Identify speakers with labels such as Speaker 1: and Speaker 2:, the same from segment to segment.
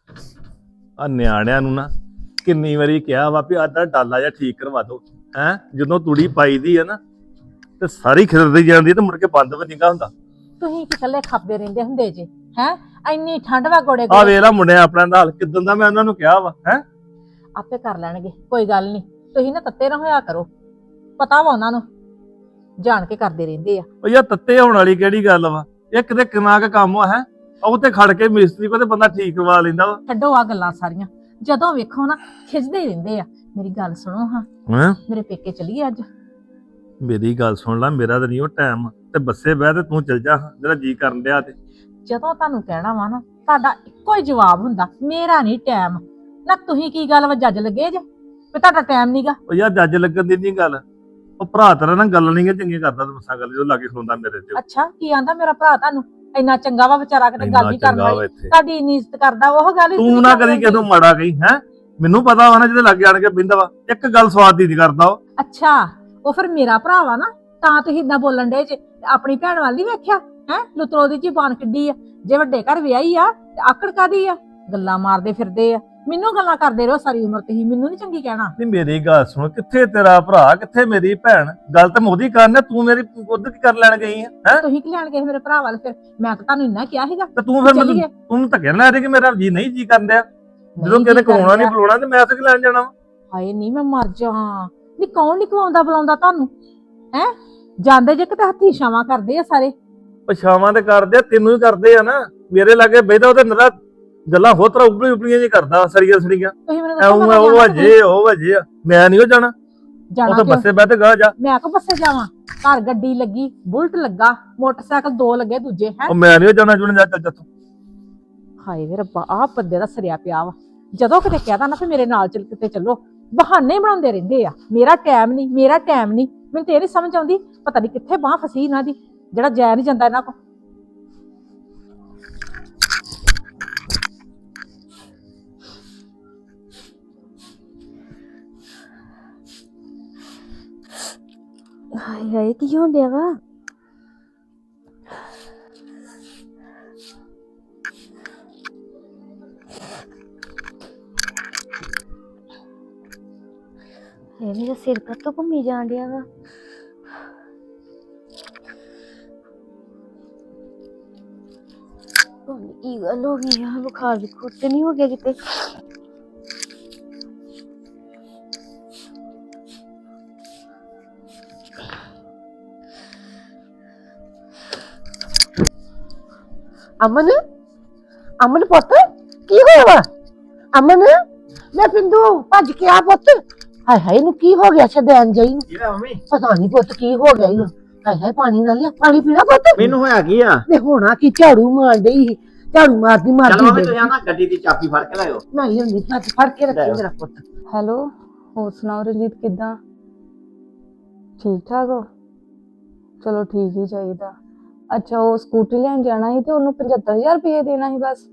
Speaker 1: ਆ ਨਿਆਣਿਆਂ ਨੂੰ ਨਾ ਕਿੰਨੀ ਵਾਰੀ ਕਿਹਾ ਵਾ ਵੀ ਆਹ ਡਾਲਾ ਜਿਹਾ ਠੀਕ ਕਰਵਾ ਦੋ ਹੈ। ਜਦੋਂ ਤੂੜੀ ਪਾਈਦੀ ਆ ਨਾ ਤੇ ਸਾਰੀ ਖਿਲਰਦੀ ਜਾਂਦੀ ਤੇ ਮੁੜ ਕੇ ਬੰਦ ਵੀ ਨਹੀਂਗਾ ਹੁੰਦਾ।
Speaker 2: ਤੁਸੀਂ ਕਿਸਲੇ ਖਾਪਦੇ ਰਹਿੰਦੇ ਹੁੰਦੇ ਜੇ ਹੈ। ਇੰਨੀ ਠੰਡ ਵਾ ਗੋੜੇ
Speaker 1: ਆ
Speaker 2: ਗੋੜੇ
Speaker 1: ਵੇਖ ਲਾ ਮੁੰਡਿਆ ਆਪਣਾ ਨਾਲ ਕਿਦਾਂ ਦਾ ਮੈਂ ਉਹਨਾਂ ਨੂੰ ਕਿਹਾ ਵਾ ਹੈ।
Speaker 2: ਆਪੇ ਕਰ ਲੈਣਗੇ, ਕੋਈ ਗੱਲ ਨਹੀਂ। ਤੁਸੀਂ ਨਾ ਤੱਤੇ ਨਾ ਹੋਇਆ ਕਰੋ, ਪਤਾ ਵਾ ਉਹਨਾਂ ਨੂੰ ਜਾਣ ਕੇ ਕਰਦੇ ਰਹਿੰਦੇ ਆ।
Speaker 1: ਉਹ ਯਾਰ ਤੱਤੇ ਹੋਣ ਵਾਲੀ ਕਿਹੜੀ ਗੱਲ ਵਾ, ਇਹ ਕਿਤੇ ਕਿੰਨਾ ਕੁ ਕੰਮ ਆ ਹੈ। ਉਹ ਤੇ ਖੜ ਕੇ ਮਿਸਤਰੀ ਕੋਲ ਤੇ ਬੰਦਾ ਠੀਕ ਕਰਵਾ ਲੈਂਦਾ ਵਾ।
Speaker 2: ਛੱਡੋ ਆ ਗੱਲਾਂ ਸਾਰੀਆਂ, ਜਦੋਂ ਵੇਖੋ ਨਾ ਖਿੱਚਦੇ ਹੀ ਰਹਿੰਦੇ ਆ। ਮੇਰੀ ਗੱਲ ਸੁਣੋ ਹਾਂ,
Speaker 1: ਹੈਂ
Speaker 2: ਮੇਰੇ ਪੇਕੇ ਚਲੀਏ ਅੱਜ।
Speaker 1: ਮੇਰੀ ਗੱਲ ਸੁਣ ਲੈ, ਮੇਰਾ ਤਾਂ ਨਹੀਂ ਉਹ ਟਾਈਮ ਤੇ ਬੱਸੇ ਬਹਿ ਤੇ ਤੂੰ ਚੱਲ ਜਾ ਜਿਹੜਾ ਜੀ ਕਰਨ ਡਿਆ ਤੇ।
Speaker 2: ਜਦੋਂ ਤੁਹਾਨੂੰ ਕਹਿਣਾ ਵਾ ਨਾ ਤੁਹਾਡਾ ਇੱਕੋ ਹੀ ਜਵਾਬ ਹੁੰਦਾ, ਮੇਰਾ ਨਹੀਂ ਟਾਈਮ। ਨਾ ਤੁਸੀਂ ਕੀ ਗੱਲ ਵਾ ਜੱਜ ਲੱਗੇ ਜੇ ਵੀ ਤੁਹਾਡਾ ਟਾਈਮ ਨਹੀਂਗਾ।
Speaker 1: ਉਹ ਯਾਰ ਜੱਜ ਲੱਗਣ ਦੀ ਨਹੀਂ ਗੱਲ, ਉਹ ਭਰਾ ਤੇਰਾ ਨਾ ਗੱਲ ਨਹੀਂ ਚੰਗੀ ਕਰਦਾ। ਦੱਸਾਂ ਗੱਲ ਜਦੋਂ ਲਾਗੇ ਖਲੋਂਦਾ ਮੇਰੇ ਤੇ
Speaker 2: ਅੱਛਾ ਕੀ ਆਂਦਾ ਮੇਰਾ ਭਰਾ ਤੁਹਾਨੂੰ? ਇੰਨਾ ਚੰਗਾ ਵਾ ਵਿਚਾਰਾ, ਕਿਤੇ ਗੱਲ ਨਹੀਂ ਕਰਨ ਵਾਲੀ।
Speaker 1: ਇੱਥੇ
Speaker 2: ਤੁਹਾਡੀ ਇੰਨੀ ਇੱਜ਼ਤ ਕਰਦਾ, ਉਹ ਗੱਲ ਹੀ
Speaker 1: ਤੂੰ ਨਾ ਕਦੀ ਕਿਸੇ ਨੂੰ ਮਾੜਾ ਕਹੀ ਹੈ। ਮੈਨੂੰ ਪਤਾ ਵਾ ਨਾ ਜਿਹਦੇ ਲਾਗੇ ਆਣ ਕੇ ਬਿੰਦਾ ਵਾ, ਇੱਕ ਗੱਲ ਸਵਾਦ ਦੀ ਨਹੀਂ ਕਰਦਾ ਉਹ।
Speaker 2: ਅੱਛਾ ਉਹ ਫਿਰ ਮੇਰਾ ਭਰਾ ਵਾ ਨਾ, ਤਾਂ ਤੁਸੀਂ ਇਦਾਂ ਬੋਲਣ ਡੇ ਜੇ। ਆਪਣੀ ਭੈਣ ਵੱਲ ਨਹੀਂ ਵੇਖਿਆ ਹੈ? ਲੁਤਰੋ ਦੀ ਜ਼ਬਾਨ ਕਿੱਡੀ ਆ। ਜੇ ਵੱਡੇ ਘਰ ਵਿਆਹੀ ਆ ਤੇ ਆਕੜ ਕਾਦੀ ਆ? ਗੱਲਾਂ ਮਾਰਦੇ ਫਿਰਦੇ ਆ, ਮੈਨੂੰ ਗੱਲਾਂ ਕਰਦੇ ਰਹੋ ਸਾਰੀ ਉਮਰ। ਤੁਸੀਂ ਮੈਨੂੰ ਨਹੀਂ ਚੰਗੀ ਕਹਿਣਾ।
Speaker 1: ਨਹੀਂ ਮੇਰੀ ਗੱਲ ਸੁਣ, ਕਿੱਥੇ ਤੇਰਾ ਭਰਾ ਕਿੱਥੇ ਮੇਰੀ ਭੈਣ? ਗੱਲ ਤਾਂ ਮੋਦੀ ਕਰਨਾ, ਤੂੰ ਮੇਰੀ ਉਧਰ ਕੀ ਕਰ ਲੈਣ ਗਈ ਹੈ।
Speaker 2: ਤੁਸੀਂ ਕੀ ਲੈਣ ਗਏ ਮੇਰੇ ਭਰਾ ਵੱਲ? ਫਿਰ ਮੈਂ ਤਾਂ ਤੁਹਾਨੂੰ ਇੰਨਾ ਕਿਹਾ ਸੀਗਾ
Speaker 1: ਤੇ ਤੂੰ ਫਿਰ
Speaker 2: ਚੱਲੀਏ।
Speaker 1: ਤੂੰ ਧੱਕੇ ਨਾ ਦੇ ਕਿ ਮੇਰਾ ਜੀ ਨਹੀਂ ਜੀ ਕਰਨ ਡਿਆ। ਜਦੋਂ
Speaker 2: ਨਹੀਂ
Speaker 1: ਕਿਤੇ
Speaker 2: ਜੀ ਕਰਨ
Speaker 1: ਕਮਾਉਣਾ ਨਹੀਂ
Speaker 2: ਡਿਆ।
Speaker 1: ਬੁਲਾਉਣਾ ਤੇ ਮੈਂ ਤੇ ਲੈਣ ਜਾਣਾ ਵਾ।
Speaker 2: ਹਾਏ ਨਹੀਂ ਮੈਂ ਮਰ ਜਾ। ਨਹੀਂ ਕੌਣ ਨਹੀਂ ਖਵਾਉਂਦਾ ਬੁਲਾਉਂਦਾ ਤੁਹਾਨੂੰ ਹੈ? ਜਾਂਦੇ ਜੇ ਕਿਤੇ ਹੱਥੀ ਛਾਵਾਂ ਕਰਦੇ ਆ ਸਾਰੇ।
Speaker 1: ਪਛਾਵਾਂ ਤੇ ਕਰਦੇ ਆ, ਤੈਨੂੰ ਹੀ ਕਰਦੇ ਆ ਨਾ। ਮੇਰੇ ਲਾਗੇ ਬੈਠਾ ਉਹ ਤੇ ਨਰਾ ਗੱਲਾਂ ਹੋਰ ਤਰ੍ਹਾਂ ਉਬਲੀ ਉਬਲੀਆਂ ਜੀ ਕਰਦਾ, ਸਰੀਆਂ ਸਰੀਆਂ
Speaker 2: ਤੁਸੀਂ ਮੈਨੂੰ
Speaker 1: ਐਉਂ
Speaker 2: ਦੱਸੋ
Speaker 1: ਉਹ ਵਜੇ ਉਹ ਵਜੇ ਆ। ਮੈਂ ਨਹੀਂ ਉਹ ਜਾਣਾ,
Speaker 2: ਜਾਣਾ
Speaker 1: ਉੱਥੇ
Speaker 2: ਕਿਉਂ?
Speaker 1: ਬੱਸੇ ਬਹਿ ਤੇ ਗਾ ਜਾ।
Speaker 2: ਮੈਂ ਕੋ ਬੱਸੇ ਜਾਵਾਂ? ਘਰ ਗੱਡੀ ਲੱਗੀ, ਬੁਲਟ ਲੱਗਾ, ਮੋਟਰਸਾਈਕਲ 2 ਲੱਗੇ ਦੂਜੇ ਹੈ।
Speaker 1: ਉਹ ਮੈਂ ਨਹੀਂ ਉਹ ਜਾਣਾ ਜੁਣ ਜਾ ਚੱਲ ਤੂੰ।
Speaker 2: ਹਾਏ ਵੇ ਰੱਬਾ, ਆਹ ਬੰਦੇ ਦਾ ਸਰਿਆ ਪਿਆ ਵਾ। ਜਦੋਂ ਕਿਤੇ ਕਹਿਦਾ ਨਾ ਕਿ ਮੇਰੇ ਨਾਲ ਚੱਲ ਕਿਤੇ ਚੱਲੋ, ਬਹਾਨੇ ਬਣਾਉਂਦੇ ਰਹਿੰਦੇ ਆ। ਮੇਰਾ ਟਾਈਮ ਨਹੀਂ, ਮੇਰਾ ਟਾਈਮ ਨਹੀਂ। ਮੈਨੂੰ ਤੇ ਇਹ ਨਹੀਂ ਸਮਝ ਆਉਂਦੀ, ਪਤਾ ਨਹੀਂ ਕਿੱਥੇ ਬਾਹ ਫਸੀ ਇਹਨਾਂ ਦੀ, ਜਿਹੜਾ ਜਾਇਆ ਨਹੀਂ ਜਾਂਦਾ ਇਹਨਾਂ ਕੋ।
Speaker 3: ਹਾਏ ਹਾਏ ਕੀ ਹੋਣ ਡਿਆ ਵਾ? ਇਹ ਮੇਰਾ ਸਿਰ ਕੱਤੋਂ ਘੁੰਮੀ ਜਾਣ ਡਿਆ ਵਾ। ਕੀ ਗੱਲ ਹੋ ਗਈ ਆ? ਬੁਖਾਰ ਬੁਖਾਰ ਤੇ ਨਹੀਂ ਹੋ ਗਿਆ ਕਿਤੇ?
Speaker 4: ਅਮਨ ਅਮਨ ਪੁੱਤ ਕੀ ਹੋਇਆ ਵਾ? ਅਮਨ ਮੈਂ ਪਿੰਦੂ ਭੱਜ ਕੇ ਆ ਪੁੱਤ। ਹਾਏ ਹਾਏ ਇਹਨੂੰ ਕੀ ਹੋ ਗਿਆ? ਛੱਡਣ ਜਾਈ
Speaker 5: ਕੀ ਹੋਇਆ ਮੰਮੀ?
Speaker 4: ਪਤਾ ਨਹੀਂ ਪੁੱਤ ਕੀ ਹੋ ਗਿਆ ਇਹਨੂੰ। ਹਾਏ ਹਾਏ ਪਾਣੀ ਨਾਲ ਲਿਆ, ਪਾਣੀ ਪੀਣਾ ਪੁੱਤ।
Speaker 5: ਮੈਨੂੰ ਹੋਇਆ ਕੀ ਆ?
Speaker 4: ਤੇ ਹੋਣਾ ਕੀ, ਝਾੜੂ ਮਾਰ ਡਈ ਸੀ, ਝਾੜੂ ਮਾਰਦੀ
Speaker 5: ਚਲ
Speaker 4: ਮਾਰਦੀ
Speaker 5: ਮੰਮੀ ਤੁਸੀਂ ਨਾ ਗੱਡੀ ਦੀ ਚਾਬੀ ਫੜ ਕੇ ਲਾਇਓ।
Speaker 4: ਮੈਂ ਹੀ ਹੁੰਦੀ ਹੱਥ ਫੜ ਕੇ ਰੱਖੀ ਮੇਰਾ ਪੁੱਤ।
Speaker 6: ਹੈਲੋ, ਹੋਰ ਸੁਣਾਓ ਰਣਜੀਤ, ਕਿੱਦਾਂ? ਠੀਕ ਠਾਕ ਹੋ? ਚਲੋ ਠੀਕ ਹੀ ਚਾਹੀਦਾ। ਅੱਛਾ ਉਹ ਸਕੂਟਰੀ ਲੈਣ ਜਾਣਾ ਸੀ ਤੇ ਉਹਨੂੰ 75,000 ਰੁਪਏ ਦੇਣਾ ਸੀ ਬਸ।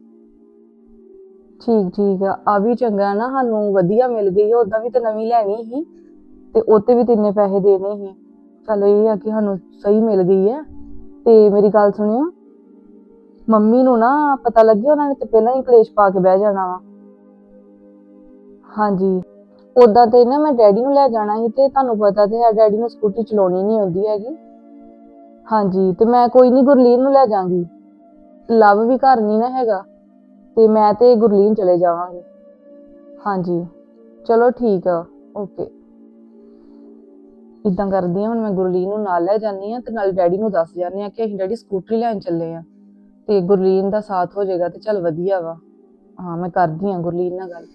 Speaker 6: ਠੀਕ ਆ ਵੀ ਚੰਗਾ ਨਾ, ਸਾਨੂੰ ਵਧੀਆ ਮਿਲ ਗਈ। ਉਦਾਂ ਵੀ ਤੇ ਨਵੀਂ ਲੈਣੀ ਸੀ ਤੇ ਉਹਤੇ ਵੀ ਤਿੰਨੇ ਪੈਸੇ ਦੇਣੇ ਸੀ। ਚਲੋ ਇਹ ਆ ਕਿ ਸਾਨੂੰ ਸਹੀ ਮਿਲ ਗਈ ਹੈ। ਤੇ ਮੇਰੀ ਗੱਲ ਸੁਣਿਓ, ਮੰਮੀ ਨੂੰ ਨਾ ਪਤਾ ਲੱਗੇ, ਉਹਨਾਂ ਨੇ ਤੇ ਪਹਿਲਾਂ ਹੀ ਕਲੇਸ਼ ਪਾ ਕੇ ਬਹਿ ਜਾਣਾ ਵਾ। ਹਾਂਜੀ ਉਦਾਂ ਤੇ ਨਾ ਮੈਂ ਡੈਡੀ ਨੂੰ ਲੈ ਜਾਣਾ ਸੀ ਤੇ ਤੁਹਾਨੂੰ ਪਤਾ ਤੇ ਹੈ ਡੈਡੀ ਨੂੰ ਸਕੂਟੀ ਚਲਾਉਣੀ ਨਹੀਂ ਆਉਂਦੀ ਹੈਗੀ। ਹਾਂਜੀ ਤੇ ਮੈਂ ਕੋਈ ਨਹੀਂ ਗੁਰਲੀਨ ਨੂੰ ਲੈ ਜਾਵਾਂਗੀ। ਲਵ ਵੀ ਘਰ ਨਹੀਂ ਨਾ ਹੈਗਾ ਤੇ ਮੈਂ ਤੇ ਗੁਰਲੀਨ ਚਲੇ ਜਾਵਾਂਗੇ। ਹਾਂਜੀ ਚਲੋ ਠੀਕ ਆ, ਓਕੇ। ਇਦਾਂ ਕਰਦੀ ਹਾਂ, ਹੁਣ ਮੈਂ ਗੁਰਲੀਨ ਨੂੰ ਨਾਲ ਲੈ ਜਾਂਦੀ ਹਾਂ ਤੇ ਨਾਲ ਡੈਡੀ ਨੂੰ ਦੱਸ ਜਾਂਦੇ ਹਾਂ ਕਿ ਅਸੀਂ ਡੈਡੀ ਸਕੂਟਰੀ ਲੈਣ ਚੱਲੇ ਆ ਤੇ ਗੁਰਲੀਨ ਦਾ ਸਾਥ ਹੋ ਜਾਏਗਾ ਤੇ ਚੱਲ ਵਧੀਆ ਵਾ। ਹਾਂ ਮੈਂ ਕਰਦੀ ਹਾਂ ਗੁਰਲੀਨ ਨਾਲ ਗੱਲ।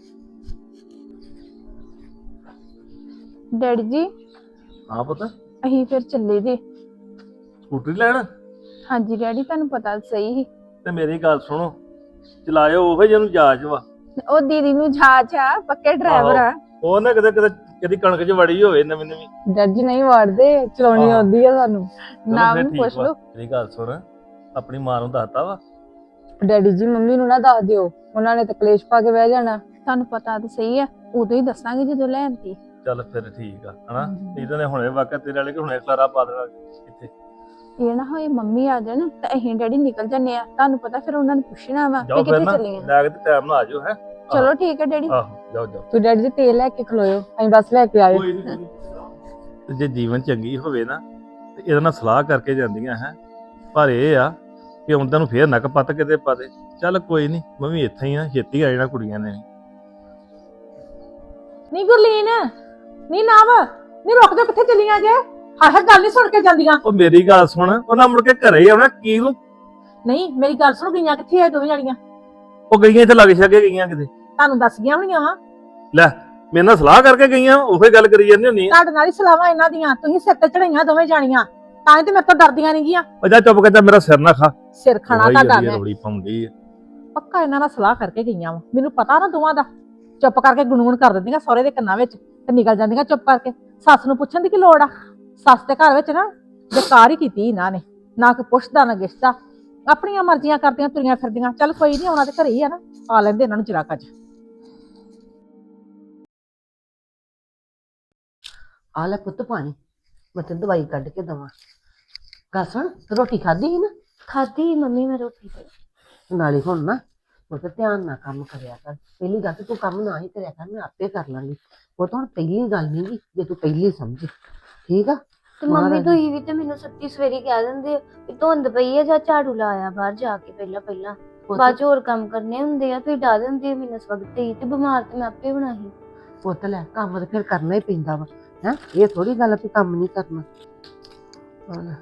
Speaker 6: ਡੈਡੀ ਜੀ
Speaker 1: ਹਾਂ ਪੁੱਤ,
Speaker 6: ਅਸੀਂ ਫਿਰ ਚੱਲੇ ਜੇ।
Speaker 1: ਸਕੂਟਰੀ ਲੈਣ?
Speaker 6: ਹਾਂਜੀ ਡੈਡੀ, ਤੁਹਾਨੂੰ ਪਤਾ ਸਹੀ ਸੀ।
Speaker 1: ਤੇ ਮੇਰੀ ਗੱਲ ਸੁਣੋ, ਚਲਾਇਓ ਉਹ ਜਿਹਨੂੰ ਜਾਚ ਵਾ।
Speaker 6: ਉਹ ਦੀਦੀ ਨੂੰ ਜਾਚ ਆ, ਪੱਕੇ ਡਰਾਈਵਰ ਆ।
Speaker 1: ਉਹ ਨਾ ਕਿਤੇ ਕਿਤੇ ਕਦੀ ਕਣਕ 'ਚ ਵੜੀ ਹੋਵੇ ਨਵੀਂ ਨਵੀਂ।
Speaker 6: ਡੈਡੀ ਜੀ ਨਹੀਂ ਵਾੜਦੇ, ਚਲਾਉਣੀ
Speaker 1: ਆਹੋ।
Speaker 6: ਆਉਂਦੀ ਆ ਸਾਨੂੰ।
Speaker 1: ਚਲੋ
Speaker 6: ਨਾਮ
Speaker 1: ਫਿਰ
Speaker 6: ਨੂੰ
Speaker 1: ਠੀਕ
Speaker 6: ਪੁੱਛ
Speaker 1: ਵਾ।
Speaker 6: ਲਓ।
Speaker 1: ਮੇਰੀ ਗੱਲ ਸੁਣ, ਆਪਣੀ ਮਾਂ ਨੂੰ ਦੱਸਤਾ ਵਾ?
Speaker 6: ਡੈਡੀ ਜੀ ਮੰਮੀ ਨੂੰ ਨਾ ਦੱਸ ਦਿਓ, ਉਹਨਾਂ ਨੇ ਤਾਂ ਕਲੇਸ਼ ਪਾ ਕੇ ਬਹਿ ਜਾਣਾ। ਤੁਹਾਨੂੰ ਪਤਾ ਤਾਂ ਸਹੀ ਆ, ਉਦੋਂ ਹੀ ਦੱਸਾਂਗੇ ਜਦੋਂ ਲੈਣਤੀ।
Speaker 1: ਚੱਲ ਫਿਰ ਠੀਕ ਆ ਹਨਾ। ਨਹੀਂ ਤਾਂ ਹੁਣੇ ਵਾਕਿਆ ਤੇਰੇ ਵਾਲੇ ਕਿ ਹੁਣੇ ਖਲਾਰਾ ਪਾ ਦੇਣਾ ਇੱਥੇ।
Speaker 6: ਇਹ ਨਾ ਹੋਏ ਮੰਮੀ ਆ ਜਾਣ ਤਾਂ ਅਸੀਂ ਡੈਡੀ ਨਿਕਲ ਜੰਨੇ ਆ, ਤੁਹਾਨੂੰ ਪਤਾ ਫਿਰ ਉਹਨਾਂ ਨੇ ਪੁੱਛਣਾ ਵਾ
Speaker 1: ਜਾਓ
Speaker 6: ਕਿ
Speaker 1: ਫਿਰ
Speaker 6: ਕਿੱਥੇ
Speaker 1: ਨਾ
Speaker 6: ਚੱਲੇ ਆ।
Speaker 1: ਲੈ ਕੇ ਤੇ ਟਾਈਮ ਨਾਲ ਆ ਜਾਓ ਹੈ।
Speaker 6: ਚਲੋ ਠੀਕ ਹੈ ਡੈਡੀ,
Speaker 1: ਆਹੋ ਜਾਓ ਜਾਓ।
Speaker 6: ਤੂੰ ਡੈਡੀ ਜੀ ਤੇਲ ਲੈ ਕੇ ਖਲੋਇਓ, ਅਸੀਂ ਬਸ ਲੈ ਕੇ ਆਇਓ।
Speaker 1: ਤੇ ਜੇ ਜੀਵਨ ਚੰਗੀ ਹੋਵੇ ਨਾ ਤੇ ਇਹਦੇ ਨਾਲ ਸਲਾਹ ਕਰਕੇ ਜਾਂਦੀਆਂ ਹੈ, ਪਰ ਇਹ ਆ ਕਿ ਉਹਨਾਂ ਨੂੰ ਫੇਰ ਨੱਕ ਪੱਤ ਕਿਤੇ ਪਾ ਦੇ। ਚੱਲ ਕੋਈ ਨਹੀਂ, ਮੈਂ ਵੀ ਇੱਥੇ ਹੀ ਆ, ਛੇਤੀ ਆ ਜਾਣਾ ਕੁੜੀਆਂ ਨੇ।
Speaker 2: ਨੀ ਗੁਰਲੀਨ, ਨੀ ਨਵ, ਨੀ ਰੁਕ ਜਾ, ਕਿੱਥੇ ਚੱਲੀਆਂ ਜੇ? ਹਾਏ ਗੱਲ ਨਹੀਂ ਸੁਣ ਕੇ ਜਾਂਦੀਆਂ।
Speaker 1: ਉਹ ਮੇਰੀ ਗੱਲ ਸੁਣ, ਉਹਨਾਂ ਮੁੜ ਕੇ ਘਰੇ ਹੀ ਆਉਣਾ ਕੀ ਨੂੰ।
Speaker 2: ਨਹੀਂ ਮੇਰੀ ਗੱਲ ਸੁਣ, ਗਈਆਂ ਕਿੱਥੇ ਆ ਦੋਵੇਂ ਜਾਣੀਆਂ?
Speaker 1: ਉਹ ਗਈਆਂ ਇੱਥੇ ਲੱਗ ਛੱਗੇ ਗਈਆਂ ਕਿਤੇ।
Speaker 2: ਤੁਹਾਨੂੰ ਦੱਸ ਗਈਆਂ ਹੋਣੀਆਂ ਵਾ।
Speaker 1: ਲੈ ਮੇਰੇ ਨਾਲ ਸਲਾਹ ਕਰਕੇ ਗਈਆਂ, ਉਹੇ ਗੱਲ ਕਰੀ ਜਾਂਦੀ ਹੁੰਦੀ ਆ।
Speaker 2: ਤੁਹਾਡੇ ਨਾਲ ਹੀ ਸਲਾਹਾਂ ਇਹਨਾਂ ਦੀਆਂ, ਤੁਸੀਂ ਸਿਰ ਤੇ ਚੜਾਈਆਂ ਦੋਵੇਂ ਜਾਣੀਆਂ, ਤਾਂ ਹੀ ਤੇ ਮੇਰੇ ਤੋਂ ਡਰਦੀਆਂ ਨਹੀਂ ਗੀਆਂ।
Speaker 1: ਉਹ ਜਾ ਚੁੱਪ ਕਰ, ਮੇਰਾ ਸਿਰ ਨਾ ਖਾ।
Speaker 2: ਸਿਰ ਖਾਣਾ ਤੁਹਾਡਾ ਮੈਂ
Speaker 1: ਰੋੜੀ ਪਾਉਂਦੀ ਆ।
Speaker 2: ਪੱਕਾ ਇਹਨਾਂ ਨਾਲ ਸਲਾਹ ਕਰਕੇ ਗਈਆਂ ਵਾ, ਮੈਨੂੰ ਪਤਾ ਨਾ ਦੋਵਾਂ ਦਾ। ਚੁੱਪ ਕਰਕੇ ਗੁਣਗੁਣ ਕਰ ਦਿੰਦੀਆਂ ਸਹੁਰੇ ਦੇ ਕੰਨਾਂ ਵਿੱਚ ਤੇ ਨਿਕਲ ਜਾਂਦੀਆਂ ਚੁੱਪ ਕਰਕੇ। ਸੱਸ ਨੂੰ ਪੁੱਛਣ ਦੀ ਕੀ ਲੋੜ ਆ? ਸੱਸ ਦੇ ਘਰ ਵਿੱਚ ਨਾ ਬੇਕਾਰ ਹੀ ਕੀਤੀ ਇਹਨਾਂ ਨੇ, ਨਾ ਕੋਈ ਪੁੱਛਦਾ ਨਾ ਗਿੱਛਦਾ, ਆਪਣੀਆਂ ਮਰਜ਼ੀਆਂ ਕਰਦੀਆਂ ਤੁਰੀਆਂ ਫਿਰਦੀਆਂ। ਚੱਲ ਕੋਈ ਨਹੀਂ, ਆਉਣਾ ਤੇ ਘਰੇ ਹੀ ਆ ਨਾ, ਆ ਲੈਂਦੇ ਇਹਨਾਂ ਨੂੰ ਚਿਰਾਕਾ ਚ।
Speaker 4: ਆ ਲੈ ਪੁੱਤ ਪਾਣੀ, ਮੈਂ ਤੈਨੂੰ ਦਵਾਈ ਕੱਢ ਕੇ ਦਵਾਂ। ਗੱਲ ਸੁਣ, ਤੂੰ ਰੋਟੀ ਖਾਧੀ ਸੀ ਨਾ?
Speaker 3: ਖਾਧੀ ਮੰਮੀ ਮੈਂ ਰੋਟੀ ਤੇ।
Speaker 4: ਨਾਲੇ ਹੁਣ ਨਾ ਪੁੱਤ ਧਿਆਨ ਨਾਲ ਕੰਮ ਕਰਿਆ ਕਰ। ਪਹਿਲੀ ਗੱਲ ਤੇ ਤੂੰ ਕੰਮ ਨਾ ਹੀ ਕਰਿਆ ਕਰ, ਮੈਂ ਆਪੇ ਕਰ ਲਾਂਗੀ। ਉਹ ਤਾਂ ਹੁਣ ਪਹਿਲੀ ਗੱਲ ਨਹੀਂ ਗੀ, ਜੇ ਤੂੰ ਪਹਿਲੀ ਸਮਝੀ, ਠੀਕ ਆ?
Speaker 3: ਤੇ ਮੰਮੀ ਤੁਸੀਂ ਵੀ ਤੇ ਮੈਨੂੰ ਸੱਤੀ ਸਵੇਰੀ ਕਹਿ ਦਿੰਦੇ ਹੋ ਕਿ ਧੁੰਦ ਪਈ ਹੈ ਜਾਂ ਝਾੜੂ ਲਾਇਆ ਬਾਹਰ ਜਾ ਕੇ, ਪਹਿਲਾਂ ਬਾਅਦ ਚ ਹੋਰ ਕੰਮ ਕਰਨੇ ਹੁੰਦੇ ਆ। ਤੁਸੀਂ ਡਾ ਦਿੰਦੇ ਹੋ ਮੈਨੂੰ ਇਸ ਵਕਤ ਹੀ, ਤੇ ਬਿਮਾਰ ਤੇ ਮੈਂ ਆਪੇ ਬਣਾਈ।
Speaker 4: ਪੁੱਤ ਲੈ, ਕੰਮ ਤਾਂ ਫਿਰ ਕਰਨਾ ਹੀ ਪੈਂਦਾ ਵਾ ਹੈ। ਇਹ ਥੋੜੀ ਗੱਲ ਆ ਵੀ ਕੰਮ ਨਹੀਂ ਕਰਨਾ। ਹਾਂ।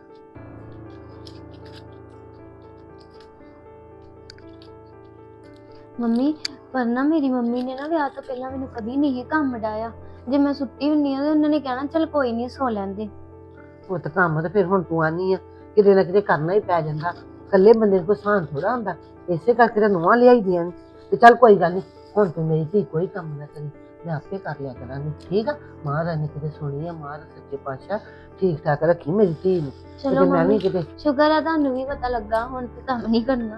Speaker 3: ਮੰਮੀ ਪਰ ਨਾ ਮੇਰੀ ਮੰਮੀ ਨੇ ਨਾ ਵਿਆਹ ਤੋਂ ਪਹਿਲਾਂ ਮੈਨੂੰ ਕਦੀ ਨਹੀਂ ਕੰਮ ਡਾਇਆ। ਜੇ ਮੈਂ ਸੁੱਤੀ ਹੁੰਨੀ ਆ ਤੇ ਉਹਨਾਂ ਨੇ ਕਹਿਣਾ ਚੱਲ ਕੋਈ ਨਹੀਂ ਸੌ ਲੈਂਦੇ।
Speaker 4: ਪੁੱਤ ਕੰਮ ਤਾਂ ਫਿਰ ਹੁਣ ਤੂੰ ਆਨੀ ਆ, ਕਿਤੇ ਨਾ ਕਿਤੇ ਕਰਨਾ ਹੀ ਪੈ ਜਾਂਦਾ। ਇਕੱਲੇ ਬੰਦੇ ਨੂੰ ਕੋਈ ਸਾਨ ਥੋੜਾ ਹੁੰਦਾ, ਇਸੇ ਕਰਕੇ ਤਾਂ ਨੂੰਹਾਂ ਲਿਆਈ ਦੀਆਂ ਨੇ। ਤੇ ਚੱਲ ਕੋਈ ਗੱਲ ਨਹੀਂ, ਹੁਣ ਤੂੰ ਮੇਰੀ ਧੀ ਕੋਈ ਕੰਮ ਨਾ ਕਰੀ, ਮੈਂ ਆਪੇ ਕਰ ਲਿਆ ਕਰਾਂਗੀ, ਠੀਕ ਆ? ਮਹਾਰਾਜ ਨੇ ਕਿਤੇ ਸੁਣੀ ਆ, ਮਹਾਰਾਜ ਸੱਚੇ ਪਾਤਸ਼ਾਹ ਠੀਕ ਠਾਕ ਰੱਖੀ ਮੇਰੀ ਧੀ ਨੂੰ।
Speaker 3: ਚਲੋ
Speaker 4: ਤੇ ਮੈਂ ਵੀ
Speaker 3: ਮੰਮੀ
Speaker 4: ਕਿਤੇ
Speaker 3: ਸ਼ੁਕਰ ਆ ਤੁਹਾਨੂੰ ਵੀ ਪਤਾ ਲੱਗਾ, ਹੁਣ ਤੇ ਕੰਮ ਨਹੀਂ ਕਰਨਾ।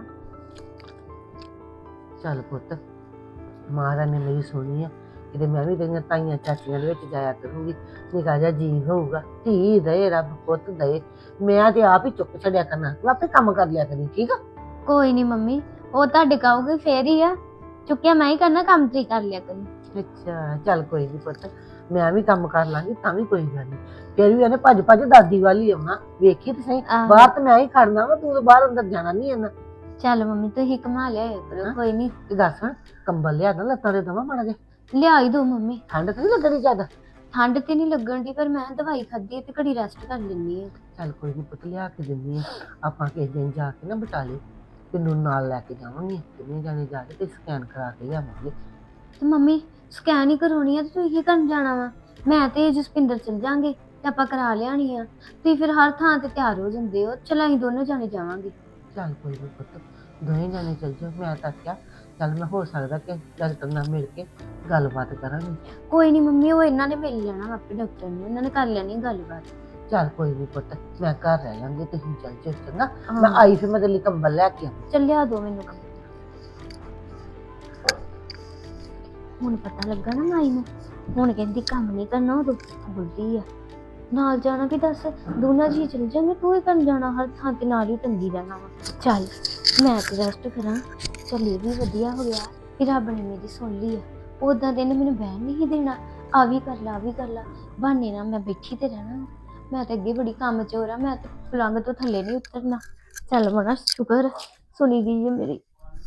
Speaker 4: ਚੱਲ ਪੁੱਤ, ਮਹਾਰਾਜ ਨੇ ਮੇਰੀ ਸੁਣੀ ਆ, ਕਿਤੇ ਮੈਂ ਵੀ ਤੇਰੀਆਂ ਤਾਈਆਂ ਚਾਚੀਆਂ ਦੇ ਵਿੱਚ ਜਾਇਆ ਕਰੂੰਗੀ। ਨਿੱਕਾ ਜਿਹਾ ਜੀ ਹੋਊਗਾ, ਧੀ ਦੇ ਰੱਬ ਪੁੱਤ ਦੇ। ਮੈਂ ਤੇ ਆਪ ਹੀ ਚੁੱਕ ਛੱਡਿਆ ਕਰਨਾ, ਤੂੰ ਆਪੇ ਕੰਮ ਕਰ ਲਿਆ ਕਰੀ, ਠੀਕ ਆ?
Speaker 3: ਕੋਈ ਨਹੀਂ ਮੰਮੀ, ਉਹ ਤੁਹਾਡੇ ਕਹੋਗੇ ਫੇਰ ਹੀ ਆ, ਚੁੱਕਿਆ ਮੈਂ ਹੀ ਕਰਨਾ, ਕੰਮ ਤੁਸੀਂ ਕਰ ਲਿਆ ਕਰੀ।
Speaker 4: ਅੱਛਾ ਚੱਲ ਕੋਈ ਨਹੀਂ ਪੁੱਤ, ਮੈਂ ਵੀ ਕੰਮ ਕਰ ਲਾਂਗੀ, ਤਾਂ ਵੀ ਕੋਈ ਗੱਲ ਨਹੀਂ। ਫਿਰ ਵੀ ਇਹਨੇ ਭੱਜ ਭੱਜ ਦਾਦੀ ਵਾਲੀ ਆਉਣਾ, ਵੇਖੀ ਤੇ ਸਹੀ।
Speaker 3: ਆਹੋ।
Speaker 4: ਬਾਹਰ ਤੇ ਮੈਂ ਹੀ ਖੜਨਾ ਵਾ, ਤੂੰ ਤਾਂ ਬਾਹਰ ਅੰਦਰ ਜਾਣਾ ਨਹੀਂ ਇਹਨਾਂ।
Speaker 3: ਚੱਲ ਮੰਮੀ ਤੁਸੀਂ ਕਮਾ ਲਿਆ ਕਰੋ, ਕੋਈ ਨਹੀਂ।
Speaker 4: ਤੇ ਦੱਸ, ਕੰਬਲ ਲਿਆ ਨਾ ਲੱਤਾਂ ਦੇ ਦਵਾਂ ਮਾੜਾ ਜਿਹਾ,
Speaker 3: ਲਿਆ ਹੀ ਦੋ ਮੰਮੀ।
Speaker 4: ਠੰਡ ਤੇ ਨਹੀਂ ਲੱਗਣੀ ਜ਼ਿਆਦਾ?
Speaker 3: ਠੰਡ ਤੇ ਨਹੀਂ ਲੱਗਣ ਦੀ, ਪਰ ਮੈਂ ਦਵਾਈ ਖਾਧੀ ਤੇ ਘੜੀ ਰੈਸਟ ਕਰ ਲੈਂਦੀ ਆ।
Speaker 4: ਚੱਲ ਕੋਈ ਨਹੀਂ ਪੁੱਤ, ਲਿਆ ਕੇ ਦਿੰਦੀ ਆ। ਆਪਾਂ ਕਿਸੇ ਦਿਨ ਜਾ ਕੇ ਨਾ ਬਟਾਲੇ ਤੈਨੂੰ ਨਾਲ ਲੈ ਕੇ ਜਾਵਾਂਗੇ, ਕਿੰਨੇ ਜਾਣੇ ਜਾ ਕੇ ਤੇ ਸਕੈਨ ਕਰਾ ਕੇ ਲਿਆਵਾਂਗੇ।
Speaker 3: ਤੇ ਮੰਮੀ ਸਕੈਨ ਹੀ ਕਰਾਉਣੀ ਆ ਤੇ ਤੁਸੀਂ ਕੀ ਕਰਨ ਜਾਣਾ ਵਾ? ਮੈਂ ਤੇ ਜਸਪਿੰਦਰ ਚਲ ਜਾਾਂਗੇ ਤੇ ਆਪਾਂ ਕਰਾ ਲਿਆਣੀ ਆ। ਤੁਸੀਂ ਫਿਰ ਹਰ ਥਾਂ ਤੇ ਤਿਆਰ ਹੋ ਜਾਂਦੇ ਹੋ, ਚਲ ਅਸੀਂ ਦੋਨੋਂ ਜਾਣੇ ਜਾਵਾਂਗੇ।
Speaker 4: ਚੱਲ ਕੋਈ ਨਹੀਂ ਪੁੱਤ, ਦੋਵੇਂ ਜਾਣੇ ਚੱਲ ਜਾਓ। ਮੈਂ ਤਾਂ ਕਿਹਾ ਚੱਲ ਮੈਂ ਹੋ ਸਕਦਾ ਕਿ ਡਾਕਟਰ ਨਾਲ ਮਿਲ ਕੇ ਗੱਲਬਾਤ ਕਰਾਂਗੇ।
Speaker 3: ਕੋਈ ਨਹੀਂ ਮੰਮੀ, ਉਹ ਇਹਨਾਂ ਨੇ ਮਿਲ ਲੈਣਾ ਆਪੇ ਡਾਕਟਰ ਨੂੰ, ਇਹਨਾਂ ਨੇ ਕਰ ਲੈਣੀ ਗੱਲਬਾਤ।
Speaker 4: ਚੱਲ ਕੋਈ ਨਹੀਂ ਪੁੱਤ, ਮੈਂ ਘਰ ਰਹਿ ਲਾਂਗੇ, ਤੁਸੀਂ ਚੱਲ ਜਾਓ, ਚੰਗਾ? ਮੈਂ ਆਈ ਫਿਰ ਮੈਂ ਤੇਰੇ ਲਈ ਕੰਬਲ ਲੈ ਕੇ ਆਵਾਂ।
Speaker 3: ਚੱਲਿਆ ਦੋ ਮੈਨੂੰ ਕੰਮ। ਹੁਣ ਪਤਾ ਲੱਗਾ ਨਾ ਮਾਈ ਨੂੰ, ਹੁਣ ਕਹਿੰਦੀ ਕੰਮ ਨਹੀਂ ਕਰਨਾ, ਉਦੋਂ ਬੋਲਦੀ ਆ ਨਾਲ ਜਾਣਾ ਵੀ। ਦੱਸ ਦੋਨਾਂ ਜੀ ਚਲ ਜਾਂਗੇ, ਤੂੰ ਹੀ ਕਰਨ ਜਾਣਾ, ਹਰ ਥਾਂ ਤੇ ਨਾਲ ਹੀ ਟੰਗੀ ਰਹਿਣਾ ਵਾ। ਚੱਲ ਮੈਂ ਤੇ ਰੈਸਟ ਕਰਾਂ। ਚੱਲ ਇਹ ਵੀ ਵਧੀਆ ਹੋ ਗਿਆ ਕਿ ਰੱਬ ਨੇ ਮੇਰੀ ਸੁਣ ਲਈ ਆ। ਉਦਾਂ ਦੇ ਨੇ ਮੈਨੂੰ ਬਹਿਣ ਨਹੀਂ ਦੇਣਾ, ਆ ਵੀ ਕਰ ਲਾ, ਆ ਵੀ ਕਰ ਲਾ, ਬਹਾਨੇ ਨਾਲ ਮੈਂ ਬੈਠੀ ਤੇ ਰਹਿਣਾ। ਮੈਂ ਤੇ ਅੱਗੇ ਬੜੀ ਕੰਮ ਚੋਰ ਆ, ਮੈਂ ਤੇ ਪਲੰਗ ਤੋਂ ਥੱਲੇ ਨਹੀਂ ਉਤਰਨਾ। ਚੱਲ ਮਨਾ ਸ਼ੁਕਰ ਸੁਣੀ ਗਈ ਹੈ ਮੇਰੀ।